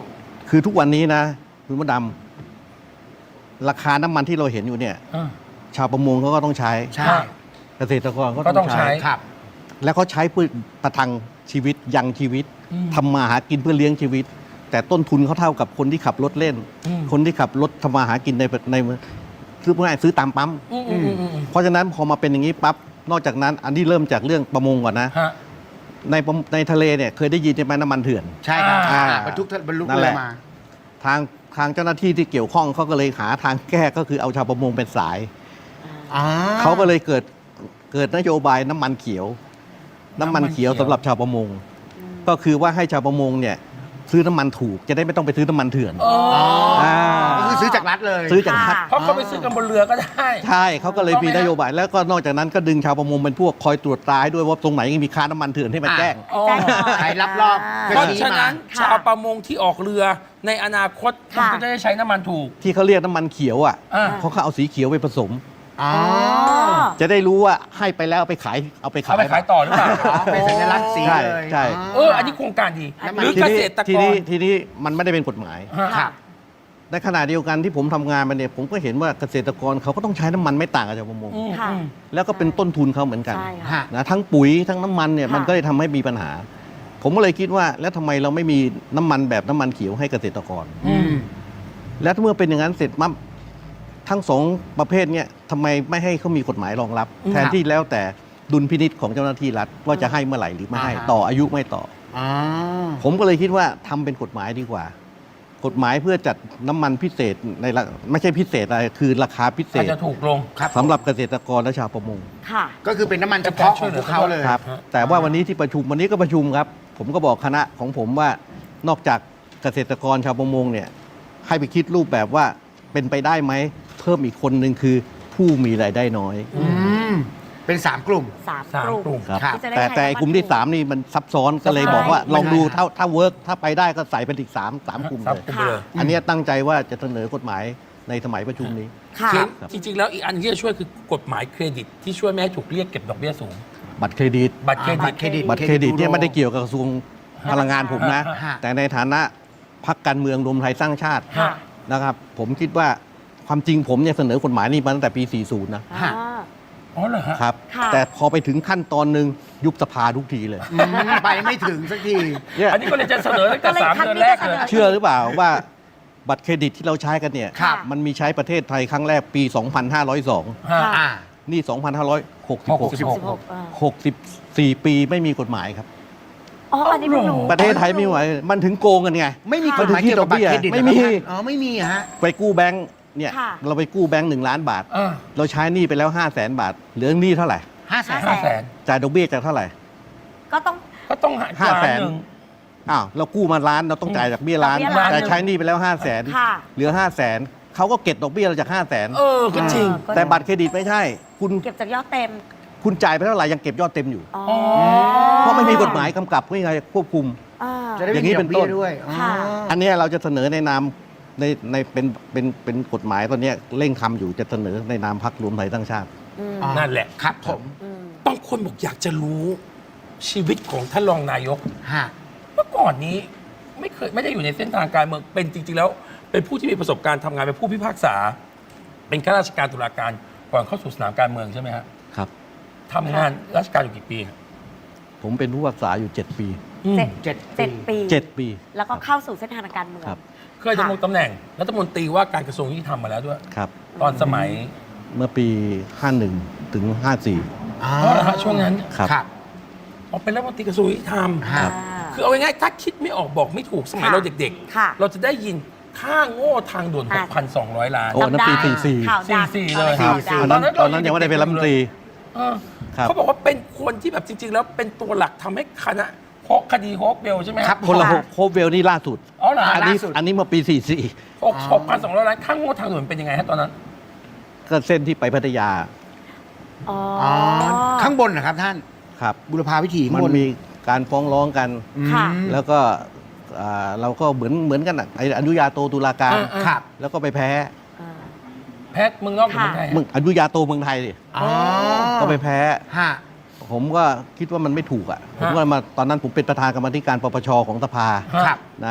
[SPEAKER 3] คือทุกวันนี้นะคุณมดดำราคาน้ำมันที่เราเห็นอยู่เนี่ย
[SPEAKER 1] อ่า
[SPEAKER 3] ชาวประมงเขาก็ต้องใช้
[SPEAKER 4] ใช่
[SPEAKER 3] เกษตรกรก็
[SPEAKER 1] ก็ต้
[SPEAKER 3] ต้
[SPEAKER 1] อ
[SPEAKER 3] อง ง
[SPEAKER 1] ใช้
[SPEAKER 3] ใช้
[SPEAKER 4] ครับ
[SPEAKER 3] แล้วเขาใช้เพื่อประทังชีวิตยังชีวิต
[SPEAKER 1] อืม
[SPEAKER 3] ทำมาหากินเพื่อเลี้ยงชีวิต แต่ต้นทุนเขาเท่ากับคนที่ขับรถเล่น
[SPEAKER 1] อืม
[SPEAKER 3] คนที่ขับรถทำมาหากินในในซื้อง่ายซื้อตามปั๊ม
[SPEAKER 1] อืมอืมอืมอืม
[SPEAKER 3] เพราะฉะนั้นพอมาเป็นอย่างนี้ปั๊บนอกจากนั้น อันนี้เริ่มจากเรื่องประมงก่อนนะ
[SPEAKER 1] ฮะ
[SPEAKER 3] ในประมในทะเลเนี่ยเคยได้ยินใช่ไหมน้ำมันเถื่อน
[SPEAKER 4] ใช่ครับ
[SPEAKER 3] อ่า
[SPEAKER 4] บรรทุกบรรลุ
[SPEAKER 3] นั่น
[SPEAKER 4] เรื
[SPEAKER 3] แห
[SPEAKER 4] อ
[SPEAKER 3] ละ
[SPEAKER 4] มา
[SPEAKER 3] ทางทางเจ้าหน้าที่ที่เกี่ยวข้องเขาก็เลยหาทางแก้ก็คือเอาชาวประมงเป็นสาย
[SPEAKER 4] อ๋อ
[SPEAKER 3] เขาก็เลยเกิดเกิดนโยบายน้ำมันเขียว น้ำมันเขียว
[SPEAKER 1] น้ำมันเขียว
[SPEAKER 3] สำหรับชาวประมง ก็คือว่าให้ชาวประมงเนี่ยซื้อน้ำมันถูกจะได้ไม่ต้องไปซื้อน้ำมันเถื่อน
[SPEAKER 1] อ๋อ
[SPEAKER 3] อ่า
[SPEAKER 4] ก็คือซื้อจากรัฐเลย
[SPEAKER 3] ซื้อจากรัฐ
[SPEAKER 1] เพราะเขาไปซื้อกันบนเรือก็ได้
[SPEAKER 3] ใช่เขาก็เลยมีนโยบาย แล้วก็นอกจากนั้นก็ดึงชาวประมงเป็นพวกคอยตรวจตราให้ด้วยว่าตรงไหนมีค้าน้ำมันเถื่อนให้มาแจ้ง
[SPEAKER 1] อ๋อ
[SPEAKER 2] แจ้งหน่อย
[SPEAKER 4] ใครรับรอบ
[SPEAKER 1] เพราะฉะนั้น
[SPEAKER 2] ค่ะ
[SPEAKER 1] ชาวประมงที่ออกเรือในอนาคตคุณ
[SPEAKER 2] ค่ะ
[SPEAKER 1] ก็จะได้ใช้น้ำมันถูก
[SPEAKER 3] ที่เขาเรียกน้ำมันเขียวอ่ะ
[SPEAKER 1] อ่า
[SPEAKER 3] เพราะเขาเอาสีเขียวไปผสม
[SPEAKER 4] อ๋อ
[SPEAKER 3] จะได้รู้ว่าให้ไปแล้วเอาไปขายเอาไปขาย
[SPEAKER 1] เอาไปขายต่อหรือเปล่า
[SPEAKER 4] อ๋อเป็นสัญลักษณ์สี
[SPEAKER 3] ใช่
[SPEAKER 4] เลย
[SPEAKER 3] ใช่
[SPEAKER 1] เออ อันนี้โครงการดี
[SPEAKER 4] น้ำมัน
[SPEAKER 1] หรือ
[SPEAKER 3] ที
[SPEAKER 1] เก
[SPEAKER 3] นี้
[SPEAKER 1] ษตรก
[SPEAKER 3] ที
[SPEAKER 1] ร
[SPEAKER 3] นี้ทีนี้มันไม่ได้เป็นกฎหมาย
[SPEAKER 1] ฮะ
[SPEAKER 4] ครับ
[SPEAKER 3] ในขณะเดียวกันที่ผมทำงานมาเนี่ยผมก็เห็นว่าเกษตรกรเขาก็ต้องใช้น้ำมันไม่ต่างกับชาวประมง
[SPEAKER 1] อืม
[SPEAKER 2] ค่ะ
[SPEAKER 1] อืม
[SPEAKER 3] แล้วก็เป็นต้นทุนเขาเหมือนกัน
[SPEAKER 2] ใช่ค่ะ
[SPEAKER 4] ฮะ
[SPEAKER 3] นะทั้งปุ๋ยทั้งน้ำมันเนี่ย
[SPEAKER 2] ค่ะ
[SPEAKER 3] มันก็เลยทำให้มีปัญหา ผมก็เลยคิดว่าแล้วทำไมเราไม่มีน้ำมันแบบน้ำมันเขียวให้เกษตรกร
[SPEAKER 1] อืม
[SPEAKER 3] แล้วเมื่อเป็นอย่างนั้นเสร็จมั่ทั้งสองประเภทเนี่ยทำไมไม่ให้เขามีกฎหมายรองรับ
[SPEAKER 1] อืม
[SPEAKER 3] แทนที่แล้วแต่ดุลพินิษของเจ้าหน้าที่รัฐว่าจะให้เมื่อไหร่หรือไม่ให้
[SPEAKER 4] อ่าฮะ
[SPEAKER 3] ต่ออายุไม่ต่อ
[SPEAKER 4] อ๋อ
[SPEAKER 3] ผมก็เลยคิดว่าทำเป็นกฎหมายดีกว่า กฎหมายเพื่อจัดน้ำมันพิเศษในราไม่ใช่พิเศษอะไรคือราคาพิเศ
[SPEAKER 1] อาจ
[SPEAKER 3] ษ
[SPEAKER 1] จะถูกลง
[SPEAKER 4] ครับ
[SPEAKER 3] สำหรับเกษตรกรและชาวประมง
[SPEAKER 2] ค่ะ
[SPEAKER 4] ก็คือเป็นน้ำมันเฉพาะของพวกเขาเลย
[SPEAKER 3] ครับ
[SPEAKER 1] ฮะ
[SPEAKER 3] แต่ว่าวันนี้ที่ประชุมวันนี้ก็ประชุมครับ ผมก็บอกคณะของผมว่านอกจากเกษตรกรชาวประมงเนี่ยให้ไปคิดรูปแบบว่าเป็นไปได้ไหมเพิ่มอีกคนหนึ่งคือผู้มีรายได้น้อย
[SPEAKER 4] อืมเป็นสามกลุ่ม
[SPEAKER 2] สาม
[SPEAKER 1] สาม
[SPEAKER 2] กลุ่ม
[SPEAKER 1] กลุ่ม
[SPEAKER 3] ครับ
[SPEAKER 4] ครับ
[SPEAKER 2] ที่จะได้
[SPEAKER 3] แต่
[SPEAKER 2] ใช้
[SPEAKER 3] แต่
[SPEAKER 2] น้ำมัน
[SPEAKER 3] กลุ่มที่
[SPEAKER 2] ถูก
[SPEAKER 3] สามนี่มันซับซ้อนก็เลย
[SPEAKER 1] ซับซ้อน
[SPEAKER 3] บอกว่า
[SPEAKER 4] ไม่
[SPEAKER 3] ลองดู
[SPEAKER 4] ได้
[SPEAKER 3] ถ้าถ้าเวิร์กถ้าไปได้ก็ใส่เป็นอีกสามสามกลุ่ม
[SPEAKER 1] สาม
[SPEAKER 3] เลย
[SPEAKER 1] กลุ่มไปเลย
[SPEAKER 3] อันเนี้ยตั้งใจว่าจะเสนอกฎหมายในสมัยประชุมนี้
[SPEAKER 2] ค่ะ
[SPEAKER 1] เขียนจริง ๆ แล้วอีกอันที่จะช่วยคือกฎหมายเครดิตที่ช่วยไม่ให้ถูกเรียกเก็บดอกเบี้ยสูง
[SPEAKER 3] บัตรเครดิต
[SPEAKER 1] บัตรเครดิ
[SPEAKER 4] บั
[SPEAKER 1] ต
[SPEAKER 4] ตรเครดิต
[SPEAKER 3] บัตรเครดิตเนี่ยไม่ได้เกี่ยวกับกระทรวงพลังงานผมนะ
[SPEAKER 4] ฮะ
[SPEAKER 3] แต่ในฐานะพรรคการเมืองรวมไทยสร้างชาติ
[SPEAKER 2] ค่ะ
[SPEAKER 3] นะครับ ผมคิดว่าความจริงผมเนี่ยเสนอกฎหมายนี้มาตั้งแต่ปี สี่สิบ นะ
[SPEAKER 4] ฮะ
[SPEAKER 2] อ่า
[SPEAKER 1] อ๋อเหรอฮะ
[SPEAKER 3] ครับ
[SPEAKER 2] ค่ะ
[SPEAKER 3] แต่พอไปถึงขั้นตอนหนึ่งยุบสภาทุกทีเลย
[SPEAKER 4] อืมไปไม่ถึงสักที
[SPEAKER 3] เนี่ย
[SPEAKER 1] อันนี้ก็เลยจะเสนอตั้งแต่
[SPEAKER 2] ก็เลย
[SPEAKER 1] สาม
[SPEAKER 2] ครั้ง
[SPEAKER 1] เดือน
[SPEAKER 2] นี้
[SPEAKER 1] แรก
[SPEAKER 2] ก็
[SPEAKER 1] เลย
[SPEAKER 2] เสน
[SPEAKER 3] เชื่อหรือเปล่าว่าบัตรเครดิตที่เราใช้กันเนี่ย
[SPEAKER 4] ครับ
[SPEAKER 3] มันมีใช้ประเทศไทยครั้งแรกปี สองพันห้าร้อยสอง
[SPEAKER 1] ฮะ
[SPEAKER 2] ค่ะ
[SPEAKER 4] อ่า
[SPEAKER 3] นี่ สองพันห้าร้อยหกสิบหก
[SPEAKER 1] หกสิบหก
[SPEAKER 2] สิบหกอ่า
[SPEAKER 3] หกสิบสี่ปีไม่มีกฎหมายครับ
[SPEAKER 2] อ๋อ อันนี้เพิ่งรู้
[SPEAKER 3] ประเทศไทยไม่ไหวมันถึงโกงกันไง
[SPEAKER 4] ไม่มีกฎหมายเกี่ยวกับบัตรเครดิต
[SPEAKER 3] ไม่มี
[SPEAKER 4] เหรอครับอ๋อไม่มีอะฮะ
[SPEAKER 3] ไปกู้แบงค์เนี่ย
[SPEAKER 2] ค่ะ
[SPEAKER 3] เราไปกู้แบงค์หนึ่งล้านบาท
[SPEAKER 1] อ่า
[SPEAKER 3] เราใช้หนี้ไปแล้วห้าแสนบาท เหลือหนี้เท่าไหร่
[SPEAKER 4] ห้าแสน
[SPEAKER 1] ห้าแสน
[SPEAKER 3] จ่ายดอกเบี้ยจากเท่าไหร่
[SPEAKER 2] ก็ต้อง
[SPEAKER 1] ก็ต้องหา
[SPEAKER 3] ห้าแสน
[SPEAKER 1] ล้หง
[SPEAKER 3] อ้าวเรากู้มาล้านเราต้องจ่ายดอกเบี้ยล้าน
[SPEAKER 2] ดอกเบี้ยล้าน
[SPEAKER 3] แต่ใช้หนี้ไปแล้วห้าแสน
[SPEAKER 2] ค่ะ
[SPEAKER 3] เหลือห้าแสนเขาก็เก็บดอกเบี้ยเราจากห้าแสน
[SPEAKER 1] เออ ก็จริง
[SPEAKER 2] ก็
[SPEAKER 3] แต่บัตรเครดิตไม่ใช่ คุณ
[SPEAKER 2] เก็บจากยอดเต็ม
[SPEAKER 3] คุณจ่ายไปเท่าไหร่ยังเก็บยอดเต็มอยู่
[SPEAKER 2] อ๋อ
[SPEAKER 3] เพราะไม่มีกฎหมายกำกับไม่มีใครควบคุม
[SPEAKER 2] อ่า
[SPEAKER 4] จะได้
[SPEAKER 3] อ
[SPEAKER 4] ไม่
[SPEAKER 3] ย่างนี้
[SPEAKER 4] มีด
[SPEAKER 3] เป็
[SPEAKER 4] อก
[SPEAKER 3] น
[SPEAKER 4] เบี้
[SPEAKER 3] ต้
[SPEAKER 4] ย
[SPEAKER 3] น
[SPEAKER 4] ด้วยอ๋อ
[SPEAKER 2] ค่ะ
[SPEAKER 3] อันเนี้ยเราจะเสนอในนามในในเป็นเป็นเป็นกฎหมายตอนเนี้ยเร่งทำอยู่จะเสนอในนามพรรครวมไทยสร้างชาติ
[SPEAKER 2] อืม
[SPEAKER 4] อ๋อ
[SPEAKER 1] นั่นแหละ
[SPEAKER 4] ครับผม
[SPEAKER 2] อืม
[SPEAKER 1] บางคนบอกอยากจะรู้ชีวิตของท่านรองนายก
[SPEAKER 4] ฮะ
[SPEAKER 1] เมื่อก่อนนี้ไม่เคยไม่ได้อยู่ในเส้นทางการเมืองเป็นจริง ๆ แล้ว เป็นผู้ที่มีประสบการณ์ทำงานเป็นผู้พิพากษา เป็นข้าราชการตุลาการก่อนเข้าสู่สนามการเมืองใช่ไหมฮะ
[SPEAKER 3] ครับ
[SPEAKER 1] ทำงานราชการอยู่กี่ปีฮะ
[SPEAKER 3] ผมเป็นผู้พิพากษาอยู่ เจ็ด ปี
[SPEAKER 1] อืม
[SPEAKER 2] เจ็ด
[SPEAKER 4] เจ็ด
[SPEAKER 2] เจ็ด
[SPEAKER 4] ปี
[SPEAKER 2] ปี
[SPEAKER 3] เจ็ด ปี
[SPEAKER 2] แล้วก็เข้าสู่เส้นทางทางการเมือง
[SPEAKER 3] ครับ
[SPEAKER 1] เคยดำรงตำแหน่งรัฐมนตรีว่าการกระทรวงยุติธรรมมาแล้วด้วย
[SPEAKER 3] ครับ
[SPEAKER 1] ตอนสมัย
[SPEAKER 3] เมื่อปี ห้าสิบเอ็ด ถึง ห้าสิบสี่
[SPEAKER 4] อ๋อ
[SPEAKER 1] เพราะอะไรฮะช่วงนั้น
[SPEAKER 3] ครับ
[SPEAKER 4] ครับ
[SPEAKER 1] ออกเป็นรัฐมนตรีกระทรวงยุติธรรม
[SPEAKER 4] ฮะ
[SPEAKER 2] อ่า
[SPEAKER 1] คือเอาง่ายๆถ้าคิดไม่ออกบอกไม่ถูกสมัย
[SPEAKER 2] ค่ะ
[SPEAKER 1] เราเด็ก
[SPEAKER 2] ค่ะ
[SPEAKER 1] ๆ เราจะได้ยินค่าโง่ทางด่วน
[SPEAKER 2] อ่ะ
[SPEAKER 1] หกพันสองร้อย ล้าน
[SPEAKER 3] โอ้ นั่นปี
[SPEAKER 2] จำได้
[SPEAKER 3] สี่สิบสี่
[SPEAKER 2] ข่าวดัง
[SPEAKER 1] สี่สิบสี่เลย
[SPEAKER 2] ข่าว
[SPEAKER 3] ต
[SPEAKER 2] ดัง
[SPEAKER 3] อนนั้นตอนนั้นยังไม่ได้เป็นรัฐมนตรี
[SPEAKER 1] เออ
[SPEAKER 3] ครับ
[SPEAKER 1] เขาบอกว่าเป็นคนที่แบบจริง ๆ แล้วเป็นตัวหลักทำให้คณะฮอกคดีโฮปเบลใช่ไหม
[SPEAKER 4] ครับ
[SPEAKER 3] คนละ
[SPEAKER 2] ค่ะ
[SPEAKER 3] โคเวลนี่ล่าสุด
[SPEAKER 1] อ๋อเหรอ
[SPEAKER 3] อันนี้
[SPEAKER 4] ล่าสุด
[SPEAKER 3] อันนี้เมื่อปี สี่สิบสี่
[SPEAKER 1] หกหกพันสองร้อยล้านค่าโง่ทางด่วนเป็นยังไงฮะตอนนั้น
[SPEAKER 3] ก็เส้นที่ไปพัทยา
[SPEAKER 2] อ๋อ
[SPEAKER 4] อ๋อ ข้างบนนะครับท่าน
[SPEAKER 3] ครับ
[SPEAKER 4] บุรพาวิถีข้า
[SPEAKER 3] มั
[SPEAKER 4] ง
[SPEAKER 3] น
[SPEAKER 4] บน
[SPEAKER 3] มีการฟ้องร้องกัน
[SPEAKER 4] อืม
[SPEAKER 2] ค่ะ
[SPEAKER 3] แล้วก็อ่าเราก็เหมือนเหมือนกันอ่ะไอ้อนุญาโตตุลาการ
[SPEAKER 1] อ่าอ่า
[SPEAKER 4] ครับ
[SPEAKER 3] แล้วก็ไปแพ้
[SPEAKER 2] อ่า
[SPEAKER 1] แพทย์เมืองนอกหรือเมืองไทยฮะ
[SPEAKER 3] มึงอนุญาโตเมืองไทยดิ
[SPEAKER 4] อ๋อ
[SPEAKER 3] ก็ไปแพ้
[SPEAKER 4] ฮะ
[SPEAKER 3] ผมก็คิดว่ามันไม่ถูกอ่ะ ผมก็มาตอนนั้นผมเป็นประธานกรรมาธิการปปชของสภา
[SPEAKER 1] ฮะ
[SPEAKER 4] ครับ
[SPEAKER 3] นะ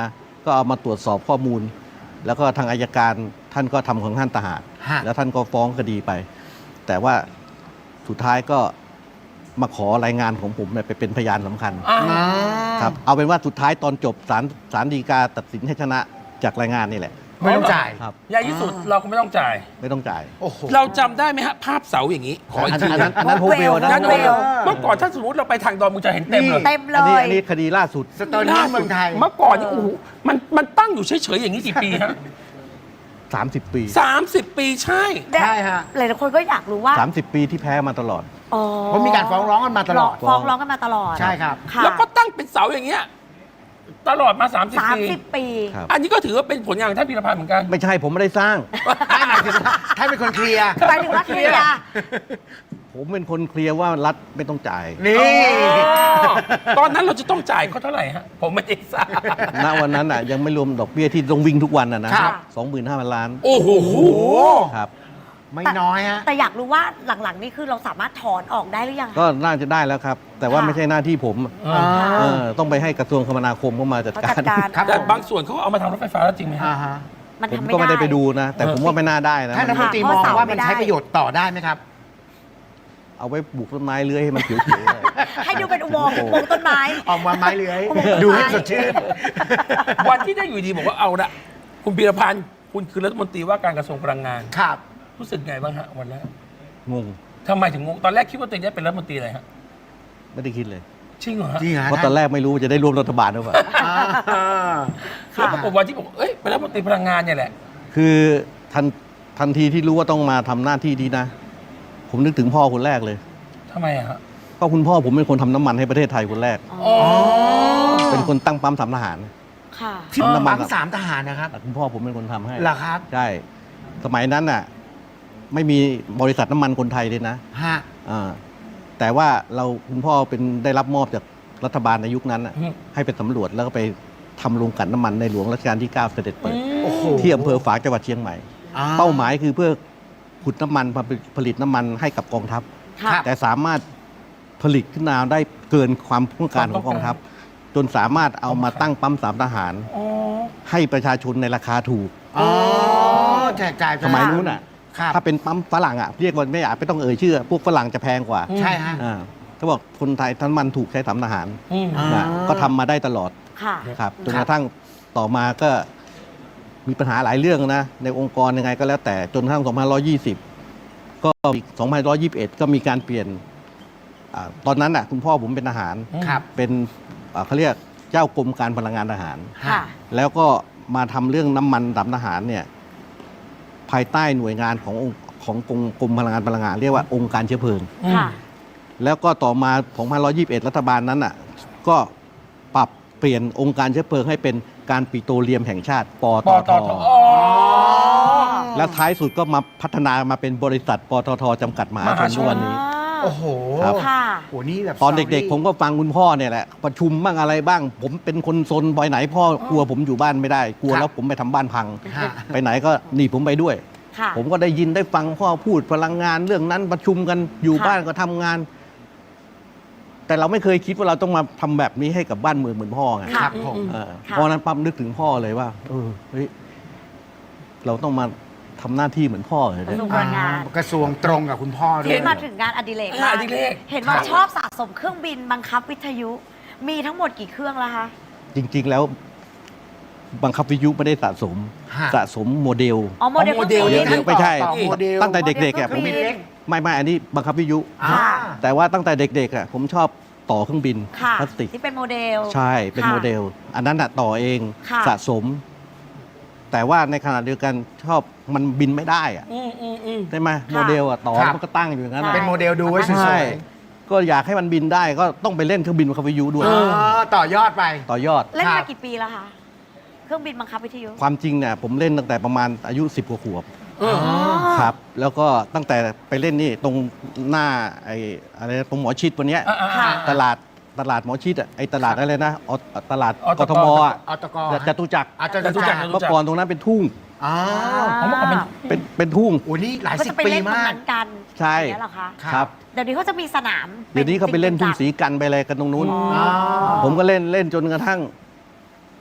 [SPEAKER 3] ก็เอามาตรวจสอบข้อมูล แล้วก็ทางอัยการท่านก็ทำของท่านต่างหาก
[SPEAKER 4] ฮะ
[SPEAKER 3] แล้วท่านก็ฟ้องคดีไป แต่ว่าสุดท้ายก็มาขอรายงานของผมเนี่ยไปเป็นพยานสำคัญ
[SPEAKER 1] อ่า
[SPEAKER 4] อ่า
[SPEAKER 3] ครับเอาเป็นว่าสุดท้ายตอนจบศาลศาลฎีกาตัดสินให้ชนะจากรายงานนี่แหละ
[SPEAKER 4] ไม่ต้องจ่าย
[SPEAKER 3] ครับ
[SPEAKER 1] ใหญ่ที่สุดเราก็ไม่ต้องจ่าย
[SPEAKER 3] ไม่ต้องจ่าย
[SPEAKER 4] โอ้โห
[SPEAKER 1] เราจำได้ไหมฮะ ภาพเสาอย่างนี้ ขออีก
[SPEAKER 3] อัน
[SPEAKER 1] ที
[SPEAKER 3] นั้น
[SPEAKER 1] นะ
[SPEAKER 3] อันนั้นโฮเวลนะ
[SPEAKER 1] นั่น
[SPEAKER 2] โฮเวล
[SPEAKER 1] เมื่อก่อนถ้าสมมติเราไปทางดอนมึงจะเห็นเต็มเลย
[SPEAKER 2] เต็มเล
[SPEAKER 3] อันนี้
[SPEAKER 2] ย
[SPEAKER 3] อันนี้คดีล่าสุด
[SPEAKER 4] สโตนเฮนจ์เมืองไทย
[SPEAKER 1] เมื่อก่อนนี่โอ้โหมันมันตั้งอยู่เฉยๆอย่างนี้กี่ปีฮะ
[SPEAKER 3] สามสิบ ปี
[SPEAKER 1] สามสิบปีใช่
[SPEAKER 4] ใช่ฮะ
[SPEAKER 2] หลายๆคนก็อยากรู้ว่า
[SPEAKER 3] สามสิบ ปีที่แพ้มาตลอด
[SPEAKER 2] อ๋อ
[SPEAKER 4] เพราะมีการฟ้องร้องกันมาตลอด
[SPEAKER 2] ฟ้องร้องกันมาตลอด
[SPEAKER 4] ใช่ครับ
[SPEAKER 2] ค่ะ
[SPEAKER 1] แล้วก็ตั้งเป็นเสาอย่างเงี้ยตลอดมา 30
[SPEAKER 2] สาม
[SPEAKER 1] ปี
[SPEAKER 2] สิบปี
[SPEAKER 3] ครับ
[SPEAKER 1] อันนี้ก็ถือว่าเป็นผลงานของท่านพีรพันธ์เหมือนกัน
[SPEAKER 3] ไม่ใช่ผมไม่ได้สร้าง
[SPEAKER 4] ท่านหมายถึงว่าท่านเป็นคนเคลียร์
[SPEAKER 2] หมายถึงว่าเคลียร์
[SPEAKER 3] ผมเป็นคนเคลียร์ว่ารัฐไม่ต้องจ่าย
[SPEAKER 4] นี่
[SPEAKER 1] ตอนนั้นเราจะต้องจ่ายเขาเท่าไหร่ฮะ ผมไม่ได้ทราบ
[SPEAKER 3] ณวันนั้นอ่ะยังไม่รวมดอกเบี้ยที่ต้องวิ่งทุกวันอ่ะนะครับ สองหมื่นห้าพันล้าน
[SPEAKER 1] โอ้โห
[SPEAKER 4] โอ้
[SPEAKER 3] ครับ
[SPEAKER 4] ไม่น้อยฮะ
[SPEAKER 2] แต่อยากรู้ว่าหลังๆนี่คือเราสามารถถอนออกได้หรือยังคะ
[SPEAKER 3] ก็น่าจะได้แล้วครับ แต่ว่า
[SPEAKER 2] ค่ะ
[SPEAKER 3] ไม่ใช่หน้าที่ผม
[SPEAKER 1] อ่า
[SPEAKER 3] เออต้องไปให้กระทรวงคมนาคมเข้ามาจัด
[SPEAKER 2] เขา
[SPEAKER 3] กา
[SPEAKER 2] จั
[SPEAKER 3] ร
[SPEAKER 2] ดการ
[SPEAKER 4] ครับ
[SPEAKER 1] แต่บางส่วนเขาก็เอามาทำรถไฟฟ้าแล้วจริงไหมฮะ
[SPEAKER 4] อ่าฮะ
[SPEAKER 2] มัน
[SPEAKER 3] ผม
[SPEAKER 2] ทำไม่
[SPEAKER 3] ก็ไม่ได้
[SPEAKER 2] ได้
[SPEAKER 3] ไปดูนะ แต่ผมว่าไม่น่าได้นะ
[SPEAKER 4] ท่านรัฐมนตรี
[SPEAKER 2] ค่ะ
[SPEAKER 4] มอง
[SPEAKER 2] เพราะ
[SPEAKER 4] ว่า
[SPEAKER 2] เสา
[SPEAKER 4] มัน
[SPEAKER 2] ไม่ได้
[SPEAKER 4] ใช้ประโยชน์ต่อได้ไหมครับ
[SPEAKER 3] เอาไว้ปลูกต้นไม้เลื้อยให้มันเขียวๆเลย
[SPEAKER 2] ให้ดูเป็นอุโมงค์อุโมงค์ต้นไม้
[SPEAKER 4] ออกมาไม้เลื้อย
[SPEAKER 2] โอ้โห
[SPEAKER 4] ดูให้สดชื่น
[SPEAKER 1] วันที่ได้อยู่ดีบอกว่าเอาละคุณพีรพันธ์คุณคือรัฐมนตรีว่าการกระทรวงพลังงาน
[SPEAKER 4] ครับ
[SPEAKER 1] รู้สึกไงบ้างฮะวันแรก
[SPEAKER 3] งง
[SPEAKER 1] ทำไมถึงงงตอนแรกคิดว่าตัวเองจะเป็นรัฐมนตรีอะไรฮะ
[SPEAKER 3] ไม่ได้คิดเลย
[SPEAKER 1] จริงเหรอฮะ
[SPEAKER 4] จริงฮะ
[SPEAKER 3] เพราะตอนแรกไม่รู้ว่าจะได้ร่วมรัฐบาลหรือเปล่า
[SPEAKER 4] อ่า
[SPEAKER 1] แล้วปรากฏวันที่บอกเอ้ยเป็นรัฐมนตรีพลังงานเนี่ยแหละ
[SPEAKER 3] คือทันทันทีที่รู้ว่าต้องมาทำหน้าที่นี้นะ ผมนึกถึงพ่อคนแรกเลย
[SPEAKER 1] ทำไมอะฮะ
[SPEAKER 3] ก็คุณพ่อผมเป็นคนทำน้ำมันให้ประเทศไทยคนแรก
[SPEAKER 1] อ๋อ
[SPEAKER 3] เป็นคนตั้งปั๊มสามทหาร
[SPEAKER 2] ค่ะ
[SPEAKER 4] ที่
[SPEAKER 3] น้ำมัน
[SPEAKER 4] ปั๊มสามทหารนะครับ
[SPEAKER 3] คุณพ่อผมเป็นคนทำให้
[SPEAKER 4] เหรอครับ
[SPEAKER 3] ใช่ สมัยนั้นน่ะ ไม่มีบริษัทน้ำมันคนไทยเลยนะ
[SPEAKER 4] ฮะ
[SPEAKER 3] อ่าแต่ว่าเราคุณพ่อเป็นได้รับมอบจากรัฐบาลในยุคนั้นน่ะ
[SPEAKER 1] อืม
[SPEAKER 3] ให้ไปสำรวจแล้วก็ไปทำโรงกลั่นน้ำมันในหลวงรัชกาลที่ เก้า เสด็จเปิด
[SPEAKER 4] โอ้โห
[SPEAKER 3] ที่อำเภอฝางจังหวัดเชียงใหม่
[SPEAKER 4] อ่
[SPEAKER 3] เป้าหมายคือเพื่อขุดน้ำมันมาผลิตน้ำมันให้กับกองทัพ
[SPEAKER 2] ค่ะ
[SPEAKER 3] แต่สามารถผลิตขึ้นมาได้เกินความต้องการของกองทัพ จนสามารถเอามาตั้งปั๊มสามทหาร
[SPEAKER 1] อ๋อ
[SPEAKER 3] ให้ประชาชนในราคาถูก
[SPEAKER 4] อ๋อแจกจ่าย
[SPEAKER 3] สมัยนู้นอ่ะ
[SPEAKER 4] ครับ
[SPEAKER 3] ถ้าเป็นปั๊มฝรั่งอ่ะเรียกว่าไม่อยากไม่ต้องเอ่ยชื่อ พวกฝรั่งจะแพงกว่า
[SPEAKER 4] ใช่ฮะ
[SPEAKER 3] อ่าเขาบอกคนไทยทั้งมันถูกใช้สามทหาร
[SPEAKER 1] อืม
[SPEAKER 4] อ่า
[SPEAKER 3] นะก็ทำมาได้ตลอด
[SPEAKER 2] ค่ะ
[SPEAKER 3] ครับจน
[SPEAKER 4] ค
[SPEAKER 3] ก
[SPEAKER 4] รับ
[SPEAKER 3] ระทั่งต่อมาก็มีปัญหาหลายเรื่องนะ ในองค์กรยังไงก็แล้วแต่จนกระทั่งสองพันหนึ่งร้อยยี่สิบก็มีสองพันหนึ่งร้อยยี่สิบเอ็ดก็มีการเปลี่ยนอาตอนนั้นอ่ะคุณพ่อผมเป็นทหาร
[SPEAKER 4] ครับ
[SPEAKER 3] เป็นอ่าเขาเรียกเจ้ากรมการพลังงานทหาร
[SPEAKER 2] ค่ะ
[SPEAKER 3] แล้วก็มาทำเรื่องน้ำมันดำทหารเนี่ยภายใต้หน่วยงานขององค์ของกรมกรมพลังงานพลังงาน เรียกว่าองค์การเชื้อเพลิง
[SPEAKER 2] ค่ะ
[SPEAKER 3] แล้วก็ต่อมาสองพันหนึ่งร้อยยี่สิบเอ็ดรัฐบาลนั้นอ่ะก็ปรับเปลี่ยนองค์การเชื้อเพลิงให้เป็นการปิโตรเลียมแห่งชาติป
[SPEAKER 1] ป
[SPEAKER 3] ต
[SPEAKER 1] อ
[SPEAKER 3] ท
[SPEAKER 1] ตอทอ๋อ
[SPEAKER 3] แล้วท้ายสุดก็มาพัฒนามาเป็นบริษัทปตทจำกัดมหาชนทุกวันนี้
[SPEAKER 4] โอ้โห
[SPEAKER 3] ครับ
[SPEAKER 2] ค่ะ
[SPEAKER 4] โอ้นี่แบบ
[SPEAKER 3] ตอนเด็กๆ ผมก็ฟังคุณพ่อเนี่ยแหละ ประชุมบ้างอะไรบ้าง ผมเป็นคนซนไปไหนพ่อกลัวผมอยู่บ้านไม่ได้ กลัวแล้วผมไปทำบ้านพัง
[SPEAKER 4] ฮะ
[SPEAKER 3] ไปไหนก็หนีผมไปด้วย
[SPEAKER 2] ค่ะ
[SPEAKER 3] ผมก็ได้ยินได้ฟังพ่อพูดพลังงานเรื่องนั้นประชุมกันอยู่
[SPEAKER 2] ค่ะ
[SPEAKER 3] บ้านก็ทำงาน แต่เราไม่เคยคิดว่าเราต้องมาทำแบบนี้ให้กับบ้านเมืองเหมือนพ่อไง
[SPEAKER 4] ครับผม
[SPEAKER 3] เออ
[SPEAKER 2] ค่ะ
[SPEAKER 3] เพราะฉะนั้นปั๊มนึกถึงพ่อเลยว่า เออเฮ้ยเราต้องมาทำหน้าที่เหมือนพ่อเลย
[SPEAKER 2] กระ
[SPEAKER 3] นะ
[SPEAKER 2] ทรวงพลังงาน
[SPEAKER 4] กระทรวงตรงกับคุณพ่อด้ว
[SPEAKER 2] เห็
[SPEAKER 4] ย
[SPEAKER 2] นมาถึงงานอดิเรก
[SPEAKER 1] งานอดิเรก
[SPEAKER 2] เห็นว่า
[SPEAKER 4] ครับ
[SPEAKER 2] ชอบสะสมเครื่องบินบังคับวิทยุ มีทั้งหมดกี่เครื่องแล้วคะ
[SPEAKER 3] จริง ๆ แล้ว บังคับวิทยุไม่ได้สะสม
[SPEAKER 4] ฮะ
[SPEAKER 3] สะสมโมเดล
[SPEAKER 2] อ๋อโมเดล
[SPEAKER 1] โมเดล
[SPEAKER 2] ครื่องบิน
[SPEAKER 3] เดี๋ยวไม่ใช่
[SPEAKER 4] ต่อโมเดล
[SPEAKER 3] ตั้งแต่เด็กๆอ่ะ
[SPEAKER 2] โม
[SPEAKER 3] ผม
[SPEAKER 2] เดลเครื่องบิน
[SPEAKER 3] ไม่ไม่อันนี้บังคับวิทยุ
[SPEAKER 4] อ่า
[SPEAKER 3] แต่ว่าตั้งแต่เด็กๆอ่ะผมชอบต่อเครื่องบิน
[SPEAKER 2] ค่ะ
[SPEAKER 3] พลาสติก
[SPEAKER 2] ที่เป็นโมเดล
[SPEAKER 3] ใช่เป็น
[SPEAKER 2] ค่ะ
[SPEAKER 3] โมเดล อันนั้นอ่ะต่อเอง
[SPEAKER 2] ค่ะ
[SPEAKER 3] สะสม แต่ว่าในขณะเดียวกันชอบมันบินไม่ได้อ่ะ
[SPEAKER 1] อืมอืมอืม
[SPEAKER 3] ใช่ไหมโมเดลอ่ะต่อ
[SPEAKER 4] ครับ
[SPEAKER 3] มันก็ตั้งอยู่อย่างนั้น
[SPEAKER 2] ใช่
[SPEAKER 3] อะ
[SPEAKER 4] เป็นโมเดลดูไว้ส
[SPEAKER 3] ใช่
[SPEAKER 4] วย
[SPEAKER 3] ก็อยากให้มันบินได้ก็ต้องไปเล่นเครื่องบินบังคับวิทยุด้วย
[SPEAKER 4] ๆอ๋อต่อยอดไป
[SPEAKER 3] ต่อยอด
[SPEAKER 2] เล่น
[SPEAKER 4] ครั
[SPEAKER 2] มา
[SPEAKER 4] บ
[SPEAKER 2] กี่ปีแล้วคะ เครื่องบินบังคับวิทยุ
[SPEAKER 3] ความจริงเนี่ยผมเล่นตั้งแต่ประมาณอายุสิบกว่าขวบ
[SPEAKER 1] เออ
[SPEAKER 3] ครับ แล้วก็ตั้งแต่ไปเล่นนี่ตรงหน้าไอ้อะไรตรงหมอชิดวันเนี้ย
[SPEAKER 1] อ่าอ่า
[SPEAKER 2] ค่ะ
[SPEAKER 3] ตลาดตลาดหมอชิดอ่ะไอ้ตลาดอะไรนะออตลาด
[SPEAKER 1] อต
[SPEAKER 3] ก
[SPEAKER 1] ก
[SPEAKER 3] ทมอ่ะ
[SPEAKER 4] อตก
[SPEAKER 3] จตุจักร
[SPEAKER 4] อาจจะ
[SPEAKER 1] จตุจักร
[SPEAKER 3] เมื่อก่อนตรงนั้นเป็นทุ่ง
[SPEAKER 4] อ๋อ
[SPEAKER 1] ผมว่าเป็น
[SPEAKER 3] เป็นเป็นทุ่ง
[SPEAKER 4] โอ้นี่หลาย
[SPEAKER 2] ก็
[SPEAKER 4] สิ
[SPEAKER 2] จะ
[SPEAKER 4] บ
[SPEAKER 2] ไป
[SPEAKER 4] ปี
[SPEAKER 2] เล่นตรง
[SPEAKER 4] มาก
[SPEAKER 2] นั้นกัน
[SPEAKER 3] ใช่
[SPEAKER 2] อย่างเงี้ยเหรอคะ
[SPEAKER 3] ครับ
[SPEAKER 2] เดี๋ยวนี้เขาจะมีสนาม
[SPEAKER 3] เดี๋ยวนี้เขาไปเล่นทุ่งสีกันไปอะไรกันตรงนู้น
[SPEAKER 2] อ๋อ
[SPEAKER 4] อ๋อ
[SPEAKER 3] ผมก็เล่นเล่นจนกระทั่ง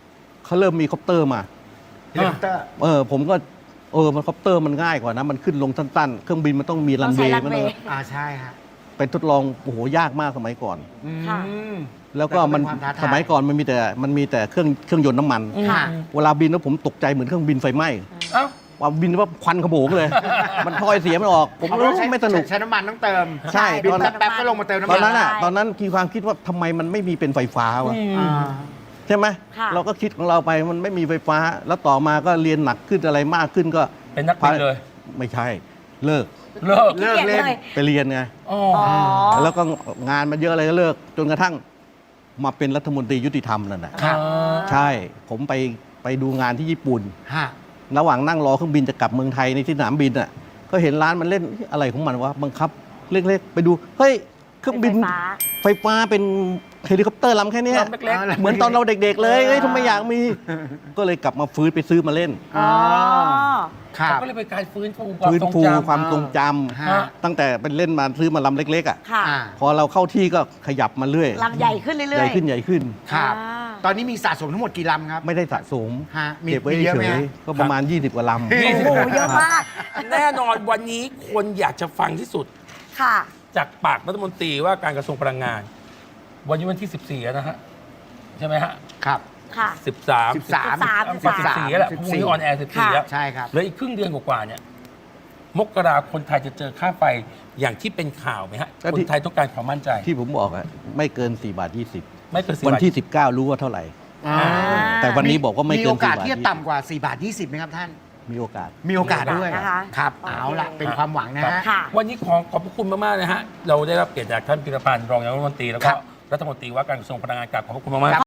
[SPEAKER 3] เขาเริ่มมีคอปเตอร์มา
[SPEAKER 4] เฮลิคอปเตอร์
[SPEAKER 3] เออผมก็เออมันคอปเตอร์มันง่ายกว่านะมันขึ้นลงสั้นๆเครื่องบินมันต้องมีรันเวย์
[SPEAKER 2] ต้องใช้
[SPEAKER 3] มัน
[SPEAKER 2] runway
[SPEAKER 3] ต้อง
[SPEAKER 4] อ่าใช่ฮะ
[SPEAKER 3] ไปทดลองโอ้โหยากมากสมัยก่อน
[SPEAKER 4] อืม
[SPEAKER 2] ค่ะ
[SPEAKER 3] แล้วก็มัน
[SPEAKER 4] แต่ก็เป็นความท้าทาย
[SPEAKER 3] สมัยก่อนมันมีแต่มันมีแต่เครื่องเครื่องยนต์น้ำมัน
[SPEAKER 2] ค่ะ
[SPEAKER 3] เวลาบินแล้วผมตกใจเหมือนเครื่องบินไฟไหม้
[SPEAKER 1] เอ้า
[SPEAKER 3] ว่าบินว่าควันขโมงเลย มันพลอยเสียไม่ออก ผม
[SPEAKER 4] เขา
[SPEAKER 3] รู้
[SPEAKER 4] ใช้
[SPEAKER 3] ไม่สนุก
[SPEAKER 4] ใช้น้ำมันต้องเติม
[SPEAKER 3] ใช่
[SPEAKER 4] บิน
[SPEAKER 3] ตอนนั้น
[SPEAKER 4] แป๊บๆก็ลงมาเติมน้ำ
[SPEAKER 3] ต
[SPEAKER 4] มั
[SPEAKER 3] อน นนั้นอ่ะ
[SPEAKER 2] ใช่
[SPEAKER 3] ตอนนั้นมีความคิดว่าทำไมมันไม่มีเป็นไฟฟ้าวะ
[SPEAKER 4] อ่า
[SPEAKER 3] ใช่ไหม
[SPEAKER 2] ค่ะ
[SPEAKER 3] เราก็คิดของเราไปมันไม่มีไฟฟ้า แล้วต่อมาก็เรียนหนักขึ้นอะไรมากขึ้นก็
[SPEAKER 1] เป็นนักบินเลย
[SPEAKER 3] ไม่ใช่ เลิก
[SPEAKER 1] เลิก
[SPEAKER 4] เลิกเล่น
[SPEAKER 3] ไปเรียนไง
[SPEAKER 1] อ๋อ
[SPEAKER 2] อ๋อ
[SPEAKER 3] แล้วก็งานมันเยอะอะไรก็เลิก จนกระทั่งมาเป็นรัฐมนตรียุติธรรมนั่นแหละ
[SPEAKER 4] ครับ
[SPEAKER 3] ใช่ ผมไปไปดูงานที่ญี่ปุ่น
[SPEAKER 4] ฮะ
[SPEAKER 3] ระหว่างนั่งรอเครื่องบินจะกลับเมืองไทยในที่สนามบินอ่ะ ก็เห็นร้านมันเล่นอะไรของมันวะบังคับเล็กๆ ไปดู เฮ้ย เครื่องบิน
[SPEAKER 2] ไฟฟ้า
[SPEAKER 3] ไฟฟ้าเป็นเฮลิคอปเตอร์ลำแค่เนี้ย
[SPEAKER 1] ลำเล็ก
[SPEAKER 3] เหมือนตอนเราเด็กๆ เลยเอ้ยทำไมอยากมี ก็เลยกลับมาฟื้นไปซื้อมาเล่น
[SPEAKER 2] อ๋อ
[SPEAKER 4] ครั
[SPEAKER 1] เขา
[SPEAKER 4] บ
[SPEAKER 1] ก็เลยเป็นการฟื้นฟูความ
[SPEAKER 3] ฟื้น
[SPEAKER 1] ทรง
[SPEAKER 3] ฟู
[SPEAKER 1] จำ
[SPEAKER 3] ความทรงจ
[SPEAKER 4] ฮะ
[SPEAKER 3] ำตั้งแต่เป็นเล่นมาซื้อมาลำเล็กๆอ่ะ
[SPEAKER 2] ค่ะ
[SPEAKER 4] อ่า
[SPEAKER 3] พอเราเข้าที่ก็ขยับมาเรื่อย
[SPEAKER 2] ลำใหญ่ขึ้นเรื่อยๆ
[SPEAKER 3] ใหญ่ขึ้นใหญ่ขึ้น
[SPEAKER 4] ครับ
[SPEAKER 2] อ่า
[SPEAKER 4] ตอนนี้มีสะสมทั้งหมดกี่ลำครับ
[SPEAKER 3] ไม่ได้สะสม
[SPEAKER 4] ฮะมี
[SPEAKER 3] เก็บไว้
[SPEAKER 4] มีเยอะ
[SPEAKER 3] เฉ
[SPEAKER 4] ไหม
[SPEAKER 3] ย
[SPEAKER 4] ฮะ
[SPEAKER 3] ๆก็ประมาณ ยี่สิบกว่าลำ
[SPEAKER 1] ยี่สิบ
[SPEAKER 2] โอ้โหเยอะมาก
[SPEAKER 1] แน่นอนวันนี้คนอยากจะฟังที่สุด
[SPEAKER 2] ค่ะ
[SPEAKER 1] จากปากรัฐมนตรีว่าการกระทรวงพลังงาน วันนี้วันที่ สิบสี่แล้วนะฮะ ใช่ไหมฮะ
[SPEAKER 4] ครับ
[SPEAKER 2] ค่ะ
[SPEAKER 1] สิบสาม
[SPEAKER 4] สิบสาม
[SPEAKER 2] สิบสาม
[SPEAKER 1] สิบสี่แล้วแหละพรุ่งนี้ออนแอร์สิบสี่
[SPEAKER 2] ค่ะ
[SPEAKER 1] แล้ว
[SPEAKER 4] ใช่ครับ
[SPEAKER 1] เหลืออีกครึ่งเดือนกว่าๆเนี่ย มกราคนไทยจะเจอค่าไฟอย่างที่เป็นข่าวไหมฮะ
[SPEAKER 3] ก็
[SPEAKER 1] ค
[SPEAKER 3] ที่
[SPEAKER 1] นไทยต้องการความมั่นใจ
[SPEAKER 3] ที่ผมบอกอะไม่เกินสี่บาทยี่สิบ
[SPEAKER 1] ไม่เกินสี่
[SPEAKER 3] วัน
[SPEAKER 1] บาท
[SPEAKER 3] ที่ สิบเก้า รู้ว่าเท่าไหร่
[SPEAKER 4] อ่า
[SPEAKER 3] แต่วันนี้บอกว่าไม่เกิน
[SPEAKER 4] มีโอกาส
[SPEAKER 3] สี่บาท
[SPEAKER 4] ที่จะต่ำกว่าสี่บาทยี่สิบไหมครับท่าน
[SPEAKER 3] มีโอกาส
[SPEAKER 4] มีโอกาสด้วย
[SPEAKER 2] นะคะ
[SPEAKER 4] ครับ
[SPEAKER 2] โอเค
[SPEAKER 4] เอาละเป็นความหวังนะฮะ
[SPEAKER 2] ค่ะ
[SPEAKER 1] วันนี้ขอขอบพระคุณมากๆนะฮะ เราได้รับเกียรติจากท่านพิรพันธ์รองนายกรัฐมนตรีแล้วก็
[SPEAKER 4] ครับ
[SPEAKER 1] รัฐมนตรีว่าการกระทรวงพลังงานกราบขอบพระคุณมากๆ